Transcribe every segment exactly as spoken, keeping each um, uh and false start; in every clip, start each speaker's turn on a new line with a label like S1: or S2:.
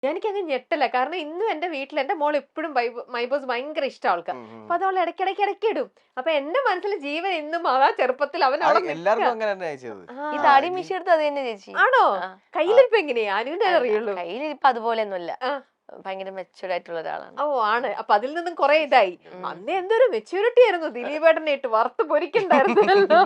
S1: എനിക്കങ്ങ് ഞെട്ടല. കാരണം ഇന്നും എന്റെ വീട്ടിൽ എന്റെ മോൾ എപ്പോഴും മൈബോസ് ഭയങ്കര ഇഷ്ടം ആൾക്കാർ. അപ്പൊ അത് അവൾ ഇടയ്ക്കിടയ്ക്ക് ഇടയ്ക്ക് ഇടും. അപ്പൊ എന്റെ മനസ്സിൽ ജീവൻ ഇന്നും ആ ചെറുപ്പത്തിൽ അവൻ അവിടെ
S2: ഈ താടി മീശ എടുത്ത് അത് തന്നെ ചേച്ചി.
S1: ആണോ? കയ്യിലിരിപ്പ് എങ്ങനെയാ? അനുവിന്റെ അറിയുള്ളൂ.
S2: കയ്യിലിരിപ്പ് അതുപോലെ ഒന്നുമില്ല, ഭയങ്കര മെച്ചൂർഡ് ആയിട്ടുള്ള ഒരാളാണ്.
S1: ഓ ആണ്. അപ്പൊ അതിൽ നിന്നും കുറെ ഇതായി. അന്ന് എന്തൊരു മെച്യൂരിറ്റി ആയിരുന്നു. ദിലീപേട്ടനെ ഇട്ട് വറുത്ത് പൊരിക്കണ്ടായിരുന്നല്ലോ.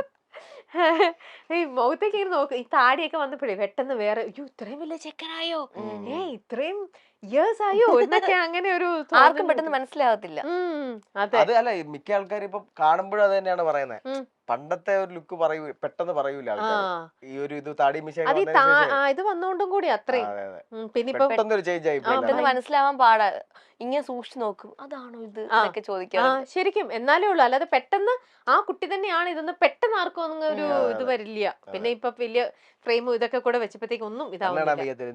S1: ഈ മുഖത്തേക്ക് ഇങ്ങനെ നോക്ക്. ഈ താടിയൊക്കെ വന്നപ്പോഴേ പെട്ടെന്ന് വേറെ അയ്യോ ഇത്രയും വലിയ ചെക്കനായോ, ഏ ഇത്രയും ഇയേഴ്സ് ആയോ എന്നൊക്കെ അങ്ങനെ ഒരു
S2: ആർക്കും പെട്ടെന്ന് മനസ്സിലാവത്തില്ല.
S3: അത് അല്ല, മിക്ക ആൾക്കാർ ഇപ്പൊ കാണുമ്പോഴും അത് തന്നെയാണ് പറയുന്നത്. പണ്ടത്തെ ഒരു ലുക്ക് പറയൂ പെട്ടെന്ന് പറയൂല ആൾക്കാർ. ഈ ഒരു ഇത് താടി മീശ
S1: ഇത് വന്നോണ്ടും കൂടി അത്രയും പിന്നെ
S3: പെട്ടെന്നൊരു ചേഞ്ച് ആയി
S2: പെട്ടെന്ന് മനസ്സിലാവാൻ പാടാ. ഇങ്ങനെ സൂക്ഷിച്ചു നോക്കും, അതാണോ ഇത് എന്നൊക്കെ ചോദിക്കാം.
S1: ശരിക്കും എന്നാലേ ഉള്ളു. അല്ലാതെ പെട്ടെന്ന് ആ കുട്ടി തന്നെയാണ് ഇതൊന്നും പെട്ടെന്ന് ആർക്കും ഒന്നും ഒരു ഇത് വരില്ല. പിന്നെ ഇപ്പൊ വലിയ ഫ്രെയിമും ഇതൊക്കെ കൂടെ വെച്ചപ്പോഴത്തേക്ക് ഒന്നും ഇതാവുന്നില്ല.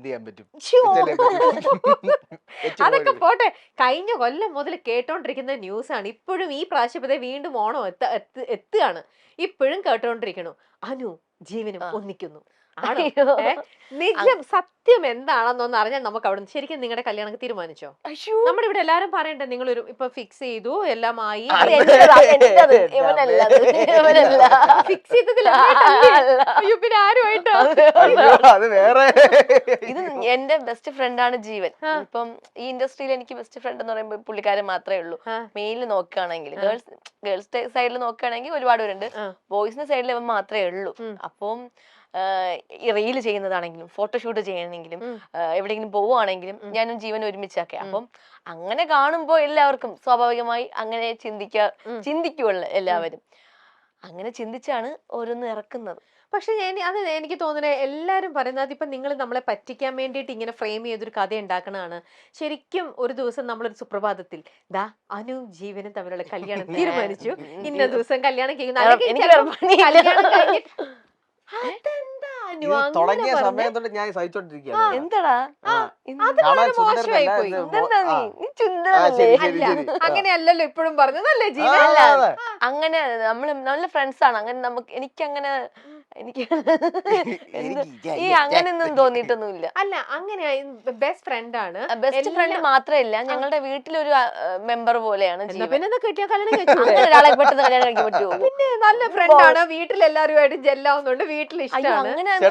S1: അതൊക്കെ പോട്ടെ. കഴിഞ്ഞ കൊല്ലം മുതൽ കേട്ടോണ്ടിരിക്കുന്ന ന്യൂസ് ആണ്. ഇപ്പോഴും ഈ പ്രാവശ്യത്തെ വീണ്ടും ഓണം എത്ത എത്തുകയാണ്. ഇപ്പോഴും കേട്ടോണ്ടിരിക്കണു അനു ജീവനും ഒന്നിക്കുന്നു. നിജം സത്യം എന്താണെന്നൊന്ന് അറിഞ്ഞാൽ നമുക്ക് അവിടെ ശരിക്കും നിങ്ങളുടെ കല്യാണം തീരുമാനിച്ചോ? നമ്മുടെ ഇവിടെ എല്ലാരും പറയണ്ടേ നിങ്ങളൊരു ഇപ്പൊ ഫിക്സ് ചെയ്തു എല്ലാം ആയി. ഫിക്സ് ചെയ്തതില്ല പിന്നെ ആരുമായിട്ടോ?
S2: ഇത് എന്റെ ബെസ്റ്റ് ഫ്രണ്ടാണ് ജീവൻ. ഇപ്പം ഈ ഇൻഡസ്ട്രിയിൽ എനിക്ക് ബെസ്റ്റ് ഫ്രണ്ട് എന്ന് പറയുമ്പോൾ പുള്ളിക്കാരൻ മാത്രമേ ഉള്ളൂ. മെയിലിൽ നോക്കുകയാണെങ്കിൽ ഗേൾസ് ഗേൾസ് സൈഡിൽ നോക്കുകയാണെങ്കിൽ ഒരുപാട് പേരുണ്ട്. ബോയ്സിന്റെ സൈഡിൽ ഇവൻ മാത്രമേ ഉള്ളൂ. അപ്പം ഈ റീല് ചെയ്യുന്നതാണെങ്കിലും ഫോട്ടോഷൂട്ട് ചെയ്യണമെങ്കിലും എവിടെയെങ്കിലും പോവുകയാണെങ്കിലും ഞാനും ജീവനും ഒരുമിച്ചൊക്കെ. അപ്പം അങ്ങനെ കാണുമ്പോൾ എല്ലാവർക്കും സ്വാഭാവികമായി അങ്ങനെ ചിന്തിക്കാ ചിന്തിക്കുമല്ലോ എല്ലാവരും. അങ്ങനെ ചിന്തിച്ചാണ് ഓരോന്ന് ഇറക്കുന്നത്.
S1: പക്ഷെ ഞാൻ അത് എനിക്ക് തോന്നുന്നത് എല്ലാരും പറയുന്നത് ഇപ്പൊ നിങ്ങൾ നമ്മളെ പറ്റിക്കാൻ വേണ്ടിയിട്ട് ഇങ്ങനെ ഫ്രെയിം ചെയ്തൊരു കഥ ഉണ്ടാക്കണതാണ്. ശരിക്കും ഒരു ദിവസം നമ്മളൊരു സുപ്രഭാതത്തിൽ ദാ അനു ജീവനും തമ്മിലുള്ള കല്യാണം തീരുമാനിച്ചു, ഇന്ന ദിവസം കല്യാണം
S3: തുടങ്ങിയ സമയം തൊട്ട് ഞാൻ സഹിച്ചോണ്ടിരിക്കുകയാണ്.
S2: എന്താടാ
S1: മോശമായി പോയി. അങ്ങനെയല്ലല്ലോ ഇപ്പോഴും പറഞ്ഞതല്ലേ ജീവൻ.
S2: അങ്ങനെ നമ്മള് നല്ല ഫ്രണ്ട്സ് ആണ്. അങ്ങനെ നമുക്ക് എനിക്കങ്ങനെ എനിക്ക് ഈ അങ്ങനെയൊന്നും തോന്നിയിട്ടൊന്നുമില്ല.
S1: അല്ല അങ്ങനെ ബെസ്റ്റ് ഫ്രണ്ട് ആണ്.
S2: ബെസ്റ്റ് ഫ്രണ്ട് മാത്രമല്ല ഞങ്ങളുടെ വീട്ടിലൊരു മെമ്പർ പോലെയാണ്.
S1: പിന്നെ കിട്ടിയ കല്യാണം
S2: ഒരാളെ പെട്ടെന്ന് കല്യാണം കഴിക്കാൻ പറ്റുമോ?
S1: പിന്നെ നല്ല ഫ്രണ്ട് ആണ്. വീട്ടിൽ എല്ലാവരുമായിട്ട് ജെല്ലാവുന്നുണ്ട്. വീട്ടിൽ ഇഷ്ടമാണ്.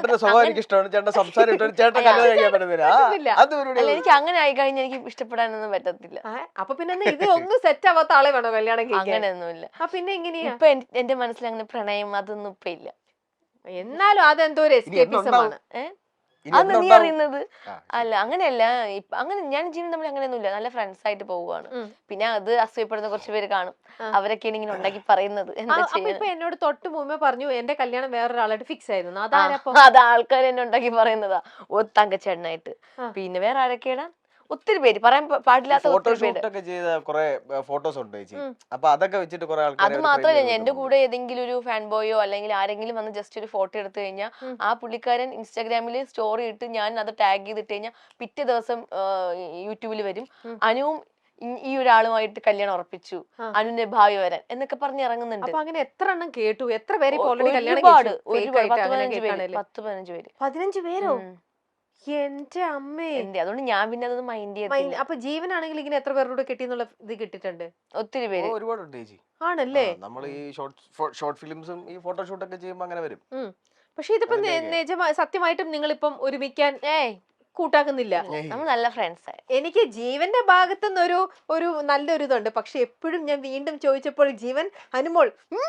S2: എനിക്ക് അങ്ങനെ ആയി കഴിഞ്ഞാൽ എനിക്ക് ഇഷ്ടപ്പെടാനൊന്നും പറ്റത്തില്ല.
S1: അപ്പൊ പിന്നെ ഇത് ഒന്നും സെറ്റ് ആവാത്ത ആളെ വേണോ കല്യാണം കഴിക്കാൻ?
S2: അങ്ങനെയൊന്നുമില്ല.
S1: പിന്നെ എങ്ങനെയാ
S2: ഇപ്പൊ എന്റെ മനസ്സിൽ അങ്ങനെ പ്രണയം അതൊന്നും ഇപ്പൊ ഇല്ല.
S1: എന്നാലും അതെന്തോ ഒരു എസ്കേപ്പിസമാണ്.
S2: അന്ന് നീ അറിയുന്നത് അല്ല. അങ്ങനെയല്ല. അങ്ങനെ ഞാൻ ജീവൻ തമ്മിൽ അങ്ങനെയൊന്നുമില്ല. നല്ല ഫ്രണ്ട്സ് ആയിട്ട് പോവുകയാണ്. പിന്നെ അത് അസൂയപ്പെടുന്ന കുറച്ച് പേര് കാണും. അവരൊക്കെയാണ് ഇങ്ങനെ ഉണ്ടാക്കി പറയുന്നത്.
S1: ഇപ്പൊ എന്നോട് തൊട്ട് മുമ്പേ പറഞ്ഞു എന്റെ കല്യാണം വേറൊരാളായിട്ട് ഫിക്സ് ആയിരുന്നു.
S2: അത് ആൾക്കാർ എന്നെ ഉണ്ടാക്കി പറയുന്നതാ. ഓ തങ്കച്ചേട്ടനായിട്ട്. പിന്നെ വേറെ ആരൊക്കെയാണ് ഒത്തിരി പേര് പറയാൻ പാടില്ലാത്ത
S3: ഫോട്ടോസ് ഉണ്ട്. അപ്പൊ അതൊക്കെ വെച്ചിട്ട് കുറെ ആൾക്കാർ.
S2: അത് മാത്രമല്ല എന്റെ കൂടെ ഏതെങ്കിലും ഒരു ഫാൻ ബോയോ അല്ലെങ്കിൽ ആരെങ്കിലും വന്ന് ജസ്റ്റ് ഒരു ഫോട്ടോ എടുത്തു കഴിഞ്ഞാൽ ആ പുള്ളിക്കാരൻ ഇൻസ്റ്റാഗ്രാമിൽ സ്റ്റോറി ഇട്ട് ഞാൻ അത് ടാഗ് ചെയ്തിട്ട് കഴിഞ്ഞാൽ പിറ്റേ ദിവസം യൂട്യൂബിൽ വരും അനുവും ഈ ഒരാളുമായിട്ട് കല്യാണം ഉറപ്പിച്ചു, അനുവിന്റെ ഭാവി വരാൻ എന്നൊക്കെ പറഞ്ഞ് ഇറങ്ങുന്നുണ്ട്.
S1: അപ്പൊ അങ്ങനെ എത്ര എണ്ണം കേട്ടു? എത്ര പേര്
S2: ഒരുപാട് പത്ത് പതിനഞ്ച് പേര്.
S1: പതിനഞ്ച് പേരോ? എന്റെ അമ്മേ.
S2: അതുകൊണ്ട് ഞാൻ പിന്നെ അതൊന്നും മൈൻഡ് ചെയ്തില്ല.
S1: അപ്പൊ ജീവനാണെങ്കിൽ ഇങ്ങനെ എത്ര പേരോട് കിട്ടിയെന്നുള്ള ഇത് കിട്ടിയിട്ടുണ്ട്?
S2: ഒത്തിരി പേര്.
S3: ഒരുപാടുണ്ട് ചേച്ചി.
S1: ആണല്ലേ?
S3: നമ്മൾ ഈ ഷോർട്ട് ഫിലിംസും ഈ ഫോട്ടോഷൂട്ട് ഒക്കെ ചെയ്യുമ്പോൾ അങ്ങനെ വരും.
S1: പക്ഷെ ഇതിപ്പോ നിജമായി സത്യമായിട്ടും നിങ്ങളിപ്പം ഒരുമിക്കാൻ ഏയ് കൂട്ടാക്കുന്നില്ല.
S2: നമ്മൾ നല്ല ഫ്രണ്ട്സ്.
S1: എനിക്ക് ജീവന്റെ ഭാഗത്തുനിന്നൊരു ഒരു നല്ലൊരു ഇതുണ്ട്. പക്ഷെ എപ്പോഴും ഞാൻ വീണ്ടും ചോദിച്ചപ്പോൾ ജീവൻ അനുമോൾ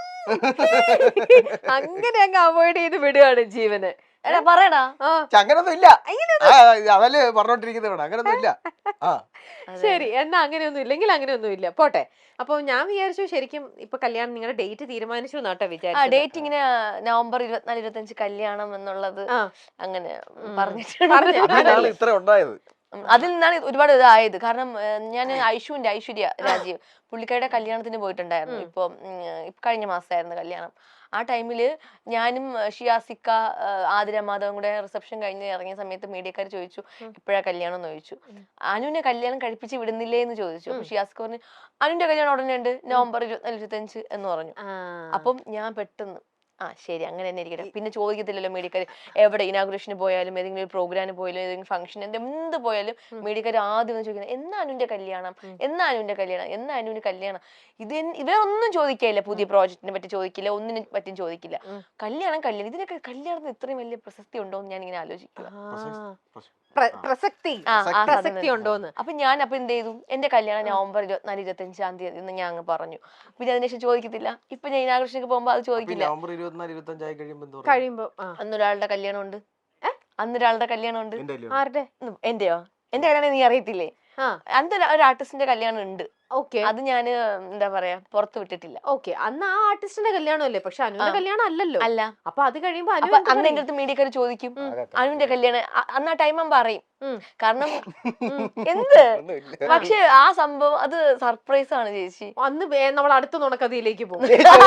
S1: അങ്ങനെ അങ്ങ് അവോയ്ഡ് ചെയ്ത് വിടുകയാണ് ജീവന്.
S2: പറയടാ
S3: അങ്ങനൊന്നും ഇല്ല. അതല്ലേ പറഞ്ഞോണ്ടിരിക്കുന്നത്. അങ്ങനൊന്നും ഇല്ല.
S1: ശരി എന്നാ അങ്ങനെയൊന്നും ഇല്ലെങ്കിൽ അങ്ങനെയൊന്നും ഇല്ല പോട്ടെ. അപ്പൊ ഞാൻ വിചാരിച്ചു ശരിക്കും ഇപ്പൊ കല്യാണം നിങ്ങളുടെ ഡേറ്റ് തീരുമാനിച്ചു എന്നാട്ടോ വിചാരിച്ചു.
S2: ഡേറ്റ് ഇങ്ങനെ നവംബർ ഇരുപത്തിനാല് ഇരുപത്തഞ്ച് കല്യാണം എന്നുള്ളത് അങ്ങനെ പറഞ്ഞിട്ടുണ്ട്.
S3: ഇത്ര ഉണ്ടായത്
S2: അതിൽ നിന്നാണ് ഒരുപാട് ഇതായത്. കാരണം ഞാൻ ഐഷുവിന്റെ ഐശ്വര്യ രാജീവ് പുള്ളിക്കാരുടെ കല്യാണത്തിന് പോയിട്ടുണ്ടായിരുന്നു. ഇപ്പൊ കഴിഞ്ഞ മാസമായിരുന്നു കല്യാണം. ആ ടൈമില് ഞാനും ഷിയാസിക്ക ആതിര മാധവും കൂടെ റിസപ്ഷൻ കഴിഞ്ഞ് ഇറങ്ങിയ സമയത്ത് മീഡിയക്കാർ ചോദിച്ചു എപ്പോഴാ കല്യാണം എന്ന് ചോദിച്ചു. അനുവിനെ കല്യാണം കഴിപ്പിച്ച് വിടുന്നില്ലേ എന്ന് ചോദിച്ചു. അപ്പൊ ഷിയാസിക്ക പറഞ്ഞു അനുവിന്റെ കല്യാണം ഉടനെ ഉണ്ട് നവംബർ ഇരുപത്തിനാല് ഇരുപത്തഞ്ച് എന്ന് പറഞ്ഞു. അപ്പം ഞാൻ പെട്ടെന്ന് ആ ശരി അങ്ങനെ തന്നെ ഇരിക്കട്ടെ. പിന്നെ ചോദിക്കത്തില്ലല്ലോ മീഡിയക്കാർ എവിടെ ഇനാഗുറേഷന് പോയാലും ഏതെങ്കിലും ഒരു പ്രോഗ്രാമിന് പോയാലും ഏതെങ്കിലും ഫംഗ്ഷൻ എന്ത് പോയാലും മീഡിയക്കാർ ആദ്യം ഒന്ന് ചോദിക്കുന്നത് എന്നാ അനുവിന്റെ കല്യാണം, എന്നാ അനുവിന്റെ കല്യാണം, എന്നാ അനുവിന്റെ കല്യാണം. ഇത് ഇവരൊന്നും ചോദിക്കില്ല, പുതിയ പ്രോജക്റ്റിനെ പറ്റി ചോദിക്കില്ല, ഒന്നിനെ പറ്റിയും ചോദിക്കില്ല. കല്യാണം കല്യാണം ഇതിനൊക്കെ കല്യാണത്തിന് ഇത്രയും വലിയ പ്രസക്തി ഉണ്ടോ എന്ന് ഞാൻ ഇങ്ങനെ ആലോചിക്കുക.
S1: പ്രസക്തി പ്രസക്തി ഉണ്ടോന്ന്.
S2: അപ്പൊ ഞാൻ അപ്പൊ എന്ത് ചെയ്തു, എന്റെ കല്യാണം നവംബർ ഇരുപത്തിനാല് ഇരുപത്തി അഞ്ചാം തീയതി എന്ന് ഞാൻ അങ്ങ് പറഞ്ഞു. പിന്നെ അതിനുശേഷം ചോദിക്കത്തില്ല. ഇപ്പൊ ഞാൻ ഇനാഘോഷക്ക് പോകുമ്പോ അത് ചോദിക്കില്ല.
S1: കഴിയുമ്പോ
S2: അന്നൊരാളുടെ കല്യാണം ഉണ്ട്, അന്നൊരാളുടെ കല്യാണം ഉണ്ട്.
S1: ആരുടെ?
S2: എന്റെയോ? എന്റെ കല്യാണം നീ അറിയത്തില്ലേ? അന്ന് ഒരു ആർട്ടിസ്റ്റിന്റെ കല്യാണം ഉണ്ട്.
S1: ഓക്കെ,
S2: അത് ഞാൻ എന്താ പറയാ പുറത്തു വിട്ടിട്ടില്ല.
S1: ഓക്കെ, അന്ന് ആ ആർട്ടിസ്റ്റിന്റെ കല്യാണം അല്ലേ, പക്ഷെ അനുവിന്റെ കല്യാണം അല്ലല്ലോ.
S2: അല്ല.
S1: അപ്പൊ അത് കഴിയുമ്പോ
S2: അന്ന് എന്റെ അടുത്ത് മീഡിയക്കാർ ചോദിക്കും അനുവിന്റെ കല്യാണം, അന്ന് ആ ടൈം പറയും. കാരണം എന്ത്, പക്ഷെ ആ സംഭവം അത് സർപ്രൈസ് ആണ് ചേച്ചി.
S1: അന്ന് നമ്മൾ അടുത്ത നുണക്കഥയിലേക്ക് പോകും.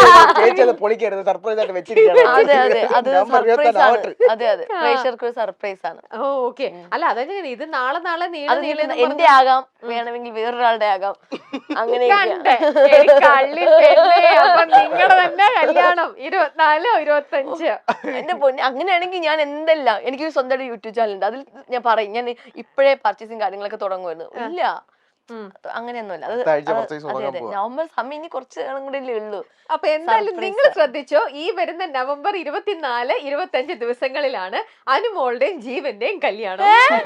S2: അതെ അതെ അത് സർപ്രൈസ് ആണ്. അതെ അതെ പ്രേക്ഷകർക്ക് ഒരു സർപ്രൈസ് ആണ്.
S1: ഓ ഓക്കെ. അല്ല അതെങ്ങനെ ഇത് നാളെ നാളെ
S2: എന്റെ ആകാം, വേണമെങ്കിൽ വേറൊരാളുടെ ആകാം. അങ്ങനെ
S1: നിങ്ങളുടെ തന്നെ കല്യാണം ഇരുപത്തിനാലോ ഇരുപത്തഞ്ചോ
S2: എന്റെ പൊന്നെ. അങ്ങനെയാണെങ്കിൽ ഞാൻ എന്തെല്ലാം, എനിക്ക് സ്വന്തമായിട്ട് യൂട്യൂബ് ചാനൽ ഉണ്ട്, അതിൽ ഞാൻ പറയും ഞാൻ ഇപ്പോഴേ പർച്ചേസിങ് കാര്യങ്ങളൊക്കെ തുടങ്ങുമായിരുന്നു. ഇല്ല അങ്ങനെയൊന്നുമല്ല. അത് നവംബർ സമയം ഇനി കുറച്ച് നാളും കൂടെ ഉള്ളൂ.
S1: അപ്പൊ എന്തായാലും നിങ്ങൾ ശ്രദ്ധിച്ചോ, ഈ വരുന്ന നവംബർ ഇരുപത്തിനാല് ഇരുപത്തഞ്ച് ദിവസങ്ങളിലാണ് അനുമോളുടെയും ജീവന്റെയും കല്യാണം.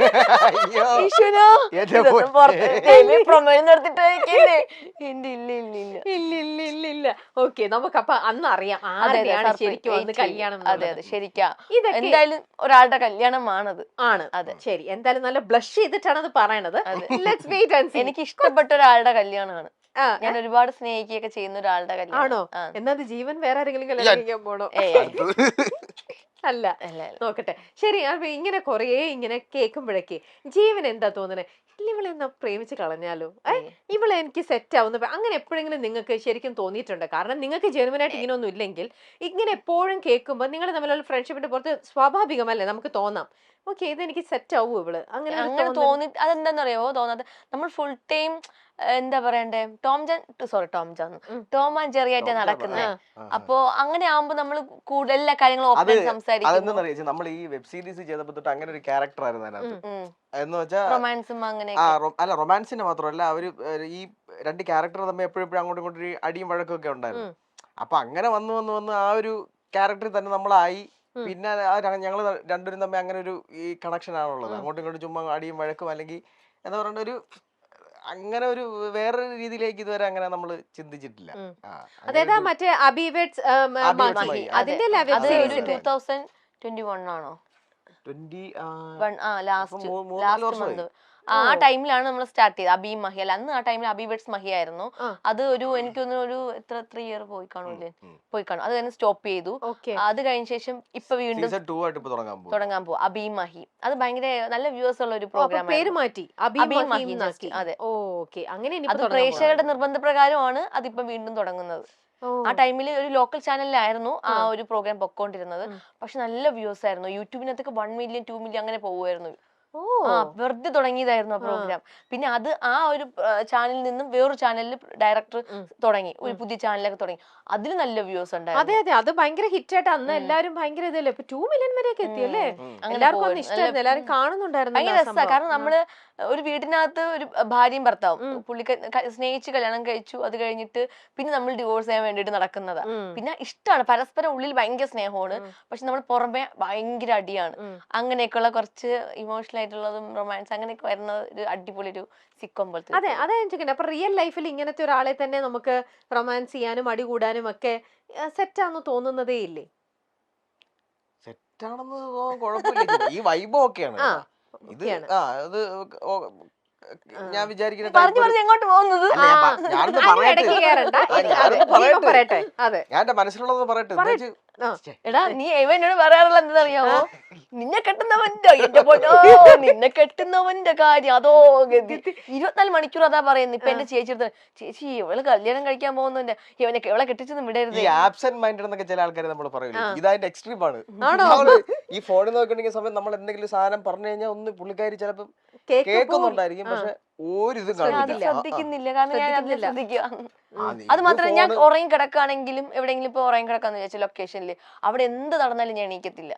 S1: ഓക്കെ, നമുക്ക് അപ്പൊ അന്ന് അറിയാം ആരെയാണ് ശരിക്കും അന്ന് കല്യാണം.
S2: അതെ അതെ ശരിക്കാ. എന്തായാലും ഒരാളുടെ കല്യാണമാണത് ആണ്. അതെ
S1: ശരി, എന്തായാലും നല്ല ബ്ലഷ് ചെയ്തിട്ടാണ് അത് പറയണത്.
S2: എനിക്ക് ഇഷ്ടപ്പെട്ട ഒരാളുടെ കല്യാണമാണ്. ഞാൻ ഒരുപാട് സ്നേഹിക്കുകയൊക്കെ ചെയ്യുന്ന ഒരാളുടെ കല്യാണം.
S1: ആണോ? എന്നാ ജീവൻ വേറെ ആരെങ്കിലും കല്യാണം കഴിക്കാൻ പോണോ? അല്ല, നോക്കട്ടെ. ശരി, അപ്പൊ ഇങ്ങനെ കൊറേ ഇങ്ങനെ കേൾക്കുമ്പോഴേക്ക് ജീവൻ എന്താ തോന്നണേ, ഇവളെ എന്നാ പ്രേമിച്ച് കളഞ്ഞാലോ, ഏഹ് ഇവളെ എനിക്ക് സെറ്റ് ആവുന്ന അങ്ങനെ എപ്പോഴെങ്കിലും നിങ്ങൾക്ക് ശരിക്കും തോന്നിയിട്ടുണ്ട്? കാരണം നിങ്ങൾക്ക് ജെനുവനായിട്ട് ഇങ്ങനെ ഒന്നും ഇല്ലെങ്കിൽ ഇങ്ങനെ എപ്പോഴും കേൾക്കുമ്പോൾ നിങ്ങൾ തമ്മിലുള്ള ഫ്രണ്ട്ഷിപ്പിന്റെ പുറത്ത് സ്വാഭാവികമല്ലേ നമുക്ക് തോന്നാം, ഓക്കെ ഇത് എനിക്ക് സെറ്റ് ആവൂ ഇവള്, അങ്ങനെ
S2: അങ്ങനെ തോന്നി. അതെന്താന്നറിയോ തോന്നാത്ത, നമ്മൾ ഫുൾ ടൈം എന്താ പറയണ്ടേ Tom Jan sorry Tom Jan Tom and Jerry ആയിട്ട് നടക്കുന്നത്. അപ്പൊ അങ്ങനെ ആവുമ്പോ നമ്മൾ കൂടുതൽ എല്ലാ കാര്യങ്ങളും ഓപ്പൺ സംസാരിക്കും.
S3: നമ്മൾ ഈ വെബ് സീരീസ് ചെയ്തപ്പോ തൊട്ട് അങ്ങനെ ഒരു ക്യാരക്ടർ ആയിരുന്നു അതിനകത്ത്. എന്ന് വെച്ചാൽ
S2: റൊമാൻസും അങ്ങനെ
S3: അല്ല, റൊമാൻസിന്റെ മാത്രമല്ല, അവര് ഈ രണ്ട് ക്യാരക്ടർ തമ്മിൽ എപ്പോഴും എപ്പോഴും അങ്ങോട്ടും ഇങ്ങോട്ടും ഒരു അടിയും വഴക്കൊക്കെ ഉണ്ടായിരുന്നു. അപ്പൊ അങ്ങനെ വന്ന് വന്ന് വന്ന് ആ ഒരു ക്യാരക്ടറിൽ തന്നെ നമ്മളായി. പിന്നെ ഞങ്ങള് രണ്ടുപേരും തമ്മിൽ അങ്ങനെ ഒരു ഈ കണക്ഷൻ ആണുള്ളത്. അങ്ങോട്ടും ഇങ്ങോട്ടും ചുമ്മാ അടിയും വഴക്കും അല്ലെങ്കിൽ എന്താ പറയണ്ട ഒരു അങ്ങനെ ഒരു വേറൊരു രീതിയിലേക്ക് ഇതുവരെ അങ്ങനെ നമ്മള് ചിന്തിച്ചിട്ടില്ല.
S1: അതായത് മറ്റേ അബിവേഡ്സ് അതിന്റെ
S2: ആണോ ലാസ്റ്റ് ലാസ്റ്റ് മന്ത് ആ ടൈമിലാണ് നമ്മൾ സ്റ്റാർട്ട് ചെയ്തത്. അബി മഹി അല്ല, അന്ന് ആ ടൈമിൽ അബി വെഡ്സ് മഹി ആയിരുന്നു. അത് ഒരു എനിക്കൊന്ന് ഒരു എത്ര ത്രീ ഇയർ പോയി കാണൂല്ലേ, പോയി കാണും. അത് കഴിഞ്ഞ് സ്റ്റോപ്പ് ചെയ്തു. അത് കഴിഞ്ഞ ശേഷം ഇപ്പൊ വീണ്ടും തുടങ്ങാൻ പോകും അബി മഹി. അത് ഭയങ്കര നല്ല വ്യൂവേഴ്സ് ഉള്ള ഒരു പ്രോഗ്രാം.
S1: പേര് മാറ്റി അബി മഹി.
S2: അതെ,
S1: ഓക്കെ. അങ്ങനെ
S2: അത് പ്രേക്ഷകരുടെ നിർബന്ധപ്രകാരമാണ് അതിപ്പോ വീണ്ടും തുടങ്ങുന്നത്. ആ ടൈമിൽ ഒരു ലോക്കൽ ചാനലിലായിരുന്നു ആ ഒരു പ്രോഗ്രാം പൊക്കോണ്ടിരുന്നത്. പക്ഷെ നല്ല വ്യൂസ് ആയിരുന്നു. യൂട്യൂബിനകത്തൊക്കെ വൺ മില്യൺ ടു മില്യൺ അങ്ങനെ പോകുമായിരുന്നു. ആ വെറുതെ തുടങ്ങിയതായിരുന്നു ആ പ്രോഗ്രാം. പിന്നെ അത് ആ ഒരു ചാനലിൽ നിന്നും വേറൊരു ചാനലിൽ ഡയറക്ടർ തുടങ്ങി, ഒരു പുതിയ ചാനലൊക്കെ തുടങ്ങി. അതിൽ നല്ല വ്യൂസ് ഉണ്ടായിരുന്നു.
S1: അതെ അതെ, അത് ഭയങ്കര ഹിറ്റ് ആയിട്ട് അന്ന് എല്ലാരും ഭയങ്കര ഇതല്ലേ, ഇപ്പൊ ടു മില്യൺ വരെയൊക്കെ എത്തിയല്ലേ. എല്ലാവർക്കും ഇഷ്ടമായിരുന്നു, എല്ലാരും കാണുന്നുണ്ടായിരുന്നു.
S2: ഭയങ്കര രസമാണ്. കാരണം നമ്മള് ഒരു വീട്ടിനകത്ത് ഒരു ഭാര്യയും ഭർത്താവും പുള്ളിക്ക സ്നേഹിച്ച് കല്യാണം കഴിച്ചു. അത് കഴിഞ്ഞിട്ട് പിന്നെ നമ്മൾ ഡിവോഴ്സ് ചെയ്യാൻ വേണ്ടിട്ട് നടക്കുന്നതാ. പിന്നെ ഇഷ്ടമാണ്, പരസ്പരം ഉള്ളിൽ ഭയങ്കര സ്നേഹമാണ്, പക്ഷെ നമ്മൾ പുറമെ ഭയങ്കര അടിയാണ്. അങ്ങനെയൊക്കെയുള്ള കുറച്ച് ഇമോഷണൽ ആയിട്ടുള്ളതും റൊമാൻസ് അങ്ങനെയൊക്കെ വരുന്ന ഒരു അടിപൊളി ഒരു സിക്കോം പോലത്തെ.
S1: അതെ, അതാ ഞാൻ ചോദിക്കുന്നത്. അപ്പൊ റിയൽ ലൈഫിൽ ഇങ്ങനത്തെ ഒരാളെ തന്നെ നമുക്ക് റൊമാൻസ് ചെയ്യാനും അടി കൂടാനും ഒക്കെ സെറ്റാന്ന് തോന്നുന്നതേ ഇല്ലേ?
S3: സെറ്റാണെന്ന് കുഴപ്പമില്ല, ഈ വൈബ് ഒക്കെയാണ്. ഇത് ആ അത് ഞാൻ വിചാരിക്കുന്നത്
S2: എങ്ങോട്ട് പോകുന്നത്
S3: ഞാൻ എന്റെ മനസ്സിലുള്ളത് പറയട്ടെ.
S2: എടാ നീ എന്നോട് പറയാറുള്ള എന്താണെന്നറിയാമോ, നിന്നെ കെട്ടുന്നവന്റെ എന്റെ പൊന്നോ നിന്നെ കെട്ടുന്നവന്റെ കാര്യം അതോ ഗതി. ഇരുപത്തിനാല് മണിക്കൂർ അതാ പറയുന്നത്. ഇപ്പൊ എന്റെ ചേച്ചി ചേച്ചി ഇവള് കല്യാണം കഴിക്കാൻ പോകുന്നുണ്ട്, ഇവനെ ഇവളെ കെട്ടിച്ചൊന്നും വിടരുത്.
S3: ആബ്സെന്റ് മൈൻഡ് എന്നൊക്കെ ചില ആൾക്കാർ നമ്മൾ പറയില്ല, ഇതായിട്ട് എക്സ്ട്രീം ആണ്. ഈ ഫോണിൽ നോക്കിണ്ടെങ്കിൽ സമയം നമ്മൾ എന്തെങ്കിലും സാധനം പറഞ്ഞു കഴിഞ്ഞാൽ ഒന്ന് പുള്ളിക്കാരി ചിലപ്പം കേൾക്കുന്നുണ്ടായിരിക്കും, പക്ഷെ ഒരിതും
S2: ഞാൻ അത്
S3: കാണില്ല.
S2: ശ്രദ്ധിക്കുന്നില്ല, കാരണം ഞാൻ അതിനെ
S1: ശ്രദ്ധിക്കുന്നില്ല.
S2: ശ്രദ്ധിക്കുക. അത് മാത്രമല്ല, ഞാൻ ഉറങ്ങി കിടക്കുകയാണെങ്കിലും എവിടെയെങ്കിലും ഇപ്പൊ ഉറങ്ങി കിടക്കാന്ന് വിചാരിച്ച ലൊക്കേഷനിൽ അവിടെ എന്ത് നടന്നാലും ഞാൻ എണീക്കത്തില്ല.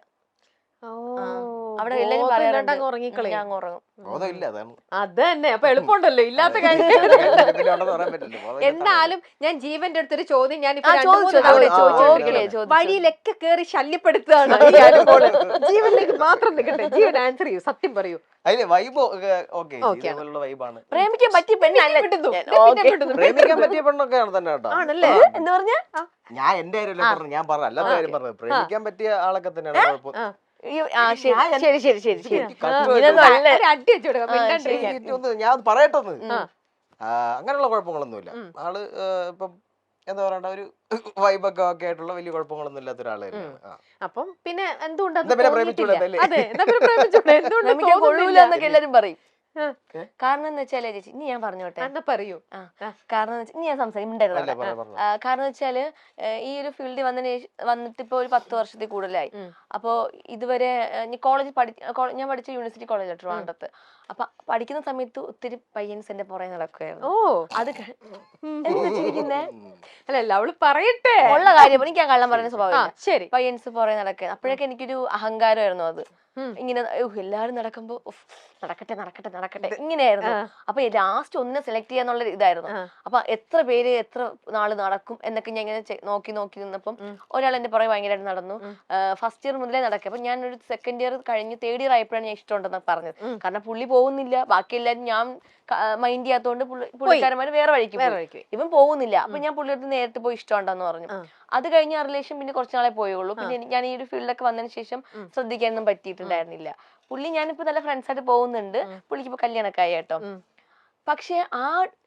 S2: അവിടെ എല്ലാരും പറയാറുണ്ട്
S1: ഉറങ്ങിക്കളയും.
S2: ഞാൻ അങ്ങ് ഉറങ്ങും.
S3: ബോധമില്ല, അതാണ്.
S1: അത് തന്നെ, അപ്പൊ എളുപ്പമുണ്ടല്ലോ, ഇല്ലാത്ത കാര്യം.
S3: പിന്നെ ഉണ്ടെന്ന് പറയാൻ പറ്റില്ല. ബോധമില്ലാത്ത
S1: എന്നാലും ഞാൻ ജീവന്റെ അടുത്തൊരു ചോദ്യം ഞാൻ
S2: ആ, ചോദിച്ചോ, ചോദിച്ചോ. ഓക്കേ, ചോദിച്ചോ.
S1: വഴിയിലൊക്കെ കേറി ശല്യപ്പെടുത്തുകയാണ് ഈ അനുമോള്. ജീവനിലേക്ക് മാത്രം നിൽക്കട്ടെ, ജീവൻ ആൻസർ ചെയ്യൂ, സത്യം പറയൂ.
S3: അതില് വൈബ് ഓക്കെ,
S1: Okay ആണ്.
S3: ഇതുപോലുള്ള വൈബാണ്.
S2: പ്രേമിക്കാൻ പറ്റിയ പെണ്ണല്ല
S1: വിടുന്നു.
S2: ഞാൻ.
S1: പിന്നെ
S2: ഓക്കേ.
S1: വിടുന്നു.
S3: പ്രേമിക്കാൻ പറ്റിയ പെണ്ണൊക്കെയാണ് തന്നെ കേട്ടോ.
S1: ആണല്ലേ?
S2: എന്താ പറഞ്ഞ
S3: ഞാൻ എന്റെ കാര്യമല്ല പറഞ്ഞു, ഞാൻ പറഞ്ഞു അല്ലാത്ത കാര്യം പറഞ്ഞത്. പ്രേമിക്കാൻ പറ്റിയ ആളൊക്കെ തന്നെയാണ് കുഴപ്പം.
S1: ആ.
S2: ആ, ശരി ശരി ശരി ശരി ശരി
S3: കട്ട്
S2: ഇതൊന്നും അല്ല.
S1: ഒരു അടി വെച്ച് കൊടുക്കാം, മിണ്ടാണ്ടിരിക്കാൻ.
S3: എനിക്ക് ഒന്ന് ഞാൻ ഒന്ന് പറയട്ടെന്ന്.
S1: ആ.
S3: ആ, അങ്ങനെയുള്ള കുഴപ്പങ്ങളൊന്നുമില്ല.
S1: ഉം.
S3: ആള് ആ, ഇപ്പം എന്താ പറയണ്ട, ഒരു വൈബൊക്കെ ഒക്കെ ആയിട്ടുള്ള വലിയ കുഴപ്പങ്ങളൊന്നും ഇല്ലാത്ത ഒരാള് തന്നെയാണ്. ആ.
S1: അപ്പം പിന്നെ എന്തുകൊണ്ട് അത്
S3: എന്താ പിന്നെ
S1: തോന്നിയിട്ടില്ല?
S3: പ്രേമിച്ചൂടെ
S1: അതെ, എന്നാ പിന്നെ പ്രേമിച്ചൂടെ? എന്തുകൊണ്ട്
S2: പ്രേമിക്കാൻ കൊള്ളൂല
S1: തോന്നുന്നില്ല?
S2: എന്നൊക്കെ എല്ലാരും പറയും.
S1: ആ.
S2: കാരണം എന്ന് വെച്ചാലേ ചേച്ചി, ഇനി ഞാൻ പറഞ്ഞോട്ടെ.
S1: എന്നാ പറയൂ.
S2: ആ, കാരണം എന്ന് വെച്ചാ- ഇനി ഞാൻ സംസാരിക്കും.
S3: അല്ലേ, പറയാം, പറഞ്ഞോ.
S2: കാരണം വെച്ചാല് ഏഹ് ഈ ഒരു ഫീൽഡിൽ വന്നതിന് ശേഷം വന്നിട്ട് ഇപ്പൊ ഒരു പത്ത് വർഷത്തിൽ കൂടുതലായി.
S1: ഉം.
S2: അപ്പോ ഇതുവരെ കോളേജ് പഠി കോള- ഞാൻ പഠിച്ച യൂണിവേഴ്സിറ്റി കോളേജ് ട്രിവാൻഡ്രത്ത്. അപ്പൊ പഠിക്കുന്ന സമയത്ത് ഒത്തിരി പയ്യൻസ് എന്റെ പുറകെ നടക്കുമായിരുന്നു.
S1: ഓ,
S2: അത് കഴി- എന്താ ചിരിക്കുന്നേ?
S1: അല്ലല്ല, അവള് പറയട്ടെ.
S2: ഉള്ള കാര്യം എനിക്ക് ഞാൻ കള്ളം പറയുന്ന
S1: ആ,
S2: സ്വഭാവം.
S1: ശരി.
S2: പയ്യൻസ് പുറകെ നടക്കുക. അപ്പോഴൊക്കെ എനിക്കൊരു അഹങ്കാരമായിരുന്നു അത്.
S1: ഉം.
S2: ഇങ്ങനെ ഉഹ്, എല്ലാരും നടക്കുമ്പോ ഉഫ്, നടക്കട്ടെ നടക്കട്ടെ നടക്കട്ടെ ഇങ്ങനെയായിരുന്നു.
S1: ആ.
S2: അപ്പൊ ലാസ്റ്റ് ഒന്നിനെ സെലക്ട് ചെയ്യാന്നുള്ള ഇതായിരുന്നു.
S1: ആ.
S2: അപ്പൊ എത്ര പേര് എത്ര നാള് നടക്കും എന്നൊക്കെ ഞാൻ ഇങ്ങനെ ചെ- നോക്കി നോക്കി നിന്നപ്പം
S1: ഉം.
S2: ഒരാൾ എന്റെ പുറകെ ഭയങ്കരമായിട്ട് നടന്നു.
S1: ഉം.
S2: ഫസ്റ്റ് ഇയർ മുതലേ നടക്കുക. അപ്പൊ ഞാൻ ഒരു സെക്കൻഡ് ഇയർ കഴിഞ്ഞ് തേർഡ് ഇയർ ആയപ്പോഴാണ് ഞാൻ ഇഷ്ടമുണ്ടെന്ന് പറഞ്ഞത്.
S1: ഉം.
S2: കാരണം പുള്ളി പോകുന്നില്ല, ബാക്കി എല്ലാരും ഞാൻ മൈൻഡ് ചെയ്യാത്തോണ്ട് പുള്ളിക്കാരന്മാര് വേറെ വഴിക്ക്
S1: വേറെ
S2: പോയി.
S1: വഴിക്ക് പോയി.
S2: ഇവൻ പോകുന്നില്ല. അപ്പൊ ഞാൻ പുള്ളിയുടെ നേരിട്ട് പോയി ഇഷ്ടമുണ്ടെന്ന് പറഞ്ഞു.
S1: ആ.
S2: അത് കഴിഞ്ഞ ആ റിലേഷൻ പിന്നെ കുറച്ച് നാളെ പോയുള്ളൂ. പിന്നെ എനിക്ക് ഞാൻ ഈ ഒരു ഫീൽഡൊക്കെ വന്നതിന് ശേഷം
S1: ഉം.
S2: ശ്രദ്ധിക്കാനൊന്നും പറ്റിയിട്ടുണ്ടായിരുന്നില്ല. പുള്ളി ഞാനിപ്പോ നല്ല ഫ്രണ്ട്സ് ആയിട്ട് പോകുന്നുണ്ട്.
S1: ഉം.
S2: പുള്ളിക്ക് ഇപ്പൊ കല്യാണമൊക്കെ ആയി കേട്ടോ.
S1: ഉം.
S2: പക്ഷെ ആ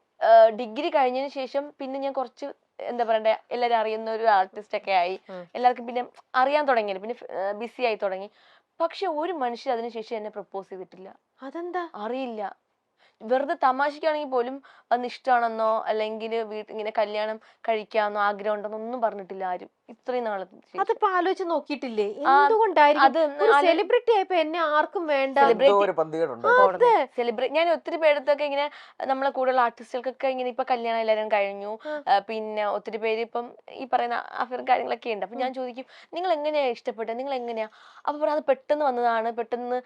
S2: ഡിഗ്രി കഴിഞ്ഞതിന് ശേഷം പിന്നെ ഞാൻ കുറച്ച് എന്താ പറയണ്ടേ, എല്ലാരും അറിയുന്ന ഒരു ആർട്ടിസ്റ്റ് ഒക്കെ ആയി.
S1: ഉം.
S2: എല്ലാവർക്കും പിന്നെ അറിയാൻ തുടങ്ങി, പിന്നെ ബിസി ആയി തുടങ്ങി. പക്ഷെ ഒരു മനുഷ്യർ അതിനുശേഷം എന്നെ പ്രപ്പോസ് ചെയ്തിട്ടില്ല.
S1: അതെന്താ?
S2: അറിയില്ല. വെറുതെ തമാശക്കാണെങ്കിൽ പോലും വന്ന് ഇഷ്ടമാണെന്നോ അല്ലെങ്കിൽ വീട്ടിൽ ഇങ്ങനെ കല്യാണം കഴിക്കാമെന്നോ ആഗ്രഹം ഉണ്ടെന്നോ ഒന്നും പറഞ്ഞിട്ടില്ല ആരും ഇത്രയും നാളെ.
S1: അതിപ്പോ ആലോചിച്ച് നോക്കിയിട്ടില്ലേ?
S2: ആ,
S1: എന്തുകൊണ്ടായിരിക്കും?
S2: അത്
S1: ഒരു
S2: ആലോ-
S1: സെലിബ്രിറ്റി ആയപ്പോ എന്നെ ആർക്കും വേണ്ട.
S2: Celebrity-
S3: എന്തോ ഒരു പന്തികേടുണ്ട്.
S2: സെലിബ്രേറ്റ് ഞാൻ ഒത്തിരി പേരത്തൊക്കെ ഇങ്ങനെ നമ്മളെ കൂടുതൽ ആർട്ടിസ്റ്റുകൾക്കൊക്കെ ഇങ്ങനെ ഇപ്പൊ കല്യാണം എല്ലാവരും കഴിഞ്ഞു.
S1: ആ.
S2: ആ, പിന്നെ ഒത്തിരി പേര് ഇപ്പം ഈ പറയുന്ന അഫയർ കാര്യങ്ങളൊക്കെ ഉണ്ട്. അപ്പൊ ഞാൻ ചോദിക്കും, നിങ്ങൾ എങ്ങനെയാ ഇഷ്ടപ്പെട്ടത്, നിങ്ങൾ എങ്ങനെയാ? അപ്പൊ പറയാം, അത് പെട്ടെന്ന് വന്നതാണ്, പെട്ടെന്ന്